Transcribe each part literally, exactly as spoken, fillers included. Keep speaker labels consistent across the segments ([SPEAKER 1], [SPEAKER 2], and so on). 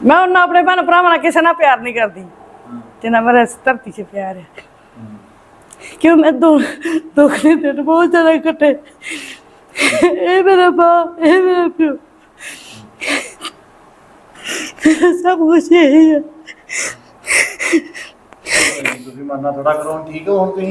[SPEAKER 1] मैं उन्हें अपने भैन भरावां नाल किसी नाल प्यार नहीं करती जिन्ना मेरा इस धरती से प्यार है। क्यों मैं दो दुख के दिन बहुत ज्यादा कटे ए मेरा मां ए मेरा प्यो सब कुछ यही है।
[SPEAKER 2] ਤੁਸੀਂ ਮਰਨਾ ਥੋੜਾ ਕਰੋ ਠੀਕ ਹੋ ਹੁਣ ਤੁਸੀਂ।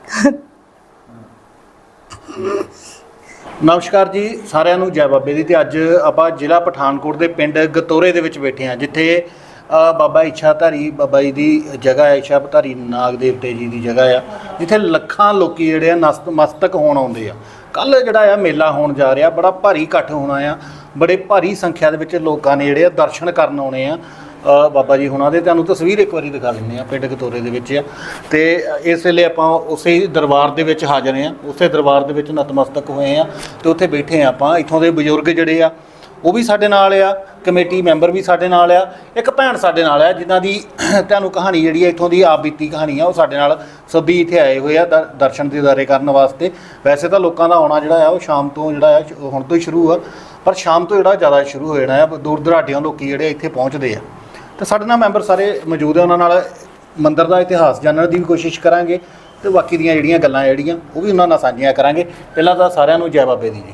[SPEAKER 2] ਨਮਸਕਾਰ ਜੀ ਸਾਰਿਆਂ ਨੂੰ, ਜੈ ਬਾਬੇ ਦੀ। ਤੇ ਅੱਜ ਆਪਾਂ ਜ਼ਿਲ੍ਹਾ ਪਠਾਨਕੋਟ ਦੇ ਪਿੰਡ ਗਤੋਰੇ ਦੇ ਵਿੱਚ ਬੈਠੇ ਹਾਂ, ਜਿੱਥੇ ਬਾਬਾ ਇੱਛਾਧਾਰੀ ਬਾਬਾ ਜੀ ਦੀ ਜਗ੍ਹਾ ਹੈ, ਇੱਛਾਧਾਰੀ ਨਾਗ ਦੇਵਤੇ ਜੀ ਦੀ ਜਗ੍ਹਾ ਆ, ਜਿੱਥੇ ਲੱਖਾਂ ਲੋਕੀ ਜਿਹੜੇ ਆ ਨਤਮਸਤਕ ਹੋਣ ਆਉਂਦੇ ਆ। ਕੱਲ੍ਹ ਜਿਹੜਾ ਆ ਮੇਲਾ ਹੋਣ ਜਾ ਰਿਹਾ, ਬੜਾ ਭਾਰੀ ਇਕੱਠ ਹੋਣਾ ਆ, ਬੜੇ ਭਾਰੀ ਸੰਖਿਆ ਦੇ ਵਿੱਚ ਲੋਕਾਂ ਨੇ ਜਿਹੜੇ ਆ ਦਰਸ਼ਨ ਕਰਨ ਆਉਣੇ ਆ ਬਾਬਾ ਜੀ ਹੁਣਾਂ ਦੇ। ਤੁਹਾਨੂੰ ਤਸਵੀਰ ਇੱਕ ਵਾਰੀ ਦਿਖਾ ਦਿੰਦੇ ਹਾਂ, ਪਿੰਡ ਗਤੋਰੇ ਦੇ ਵਿੱਚ ਆ। ਤੇ ਇਸ ਵੇਲੇ ਆਪਾਂ ਉਸੇ ਦਰਬਾਰ ਦੇ ਵਿੱਚ ਹਾਜ਼ਰ ਹਾਂ, ਉਸੇ ਦਰਬਾਰ ਦੇ ਵਿੱਚ ਨਤਮਸਤਕ ਹੋਏ ਆ ਤੇ ਉੱਥੇ ਬੈਠੇ ਆ ਆਪਾਂ। ਇੱਥੋਂ ਦੇ ਬਜ਼ੁਰਗ ਜਿਹੜੇ ਆ ਉਹ ਵੀ ਸਾਡੇ ਨਾਲ ਆ, ਕਮੇਟੀ ਮੈਂਬਰ ਵੀ ਸਾਡੇ ਨਾਲ ਆ, ਇੱਕ ਭੈਣ ਸਾਡੇ ਨਾਲ ਆ ਜਿਨ੍ਹਾਂ ਦੀ ਤੁਹਾਨੂੰ ਕਹਾਣੀ ਜਿਹੜੀ ਆ ਇੱਥੋਂ ਦੀ ਆਪ ਬੀਤੀ ਕਹਾਣੀ ਆ, ਉਹ ਸਾਡੇ ਨਾਲ ਸਭੀ ਇੱਥੇ ਆਏ ਹੋਏ ਆ ਦਰ ਦਰਸ਼ਨ ਦੀਦਾਰੇ ਕਰਨ ਵਾਸਤੇ। ਵੈਸੇ ਤਾਂ ਲੋਕਾਂ ਦਾ ਆਉਣਾ ਜਿਹੜਾ ਆ ਉਹ ਸ਼ਾਮ ਤੋਂ ਜਿਹੜਾ ਆ ਹੁਣ ਤੋਂ ਹੀ ਸ਼ੁਰੂ ਆ, ਪਰ ਸ਼ਾਮ ਤੋਂ ਜਿਹੜਾ ਜ਼ਿਆਦਾ ਸ਼ੁਰੂ ਹੋ ਜਾਣਾ ਆ। ਦੂਰ ਦਰਾਡਿਆਂ ਲੋਕ ਜਿਹੜੇ ਇੱਥੇ ਪਹੁੰਚਦੇ ਆ ਤੇ ਸਾਡੇ ਨਾਲ ਮੈਂਬਰ ਸਾਰੇ ਮੌਜੂਦ ਆ, ਉਹਨਾਂ ਨਾਲ ਮੰਦਿਰ ਦਾ ਇਤਿਹਾਸ ਜਾਣਨ ਦੀ ਵੀ ਕੋਸ਼ਿਸ਼ ਕਰਾਂਗੇ ਤੇ ਬਾਕੀ ਦੀਆਂ ਜਿਹੜੀਆਂ ਗੱਲਾਂ ਜਿਹੜੀਆਂ ਉਹ ਵੀ ਉਹਨਾਂ ਨਾਲ ਸਾਂਝੀਆਂ ਕਰਾਂਗੇ। ਪਹਿਲਾਂ ਤਾਂ ਸਾਰਿਆਂ ਨੂੰ ਜੈ ਬਾਬੇ ਦੀ ਜੀ।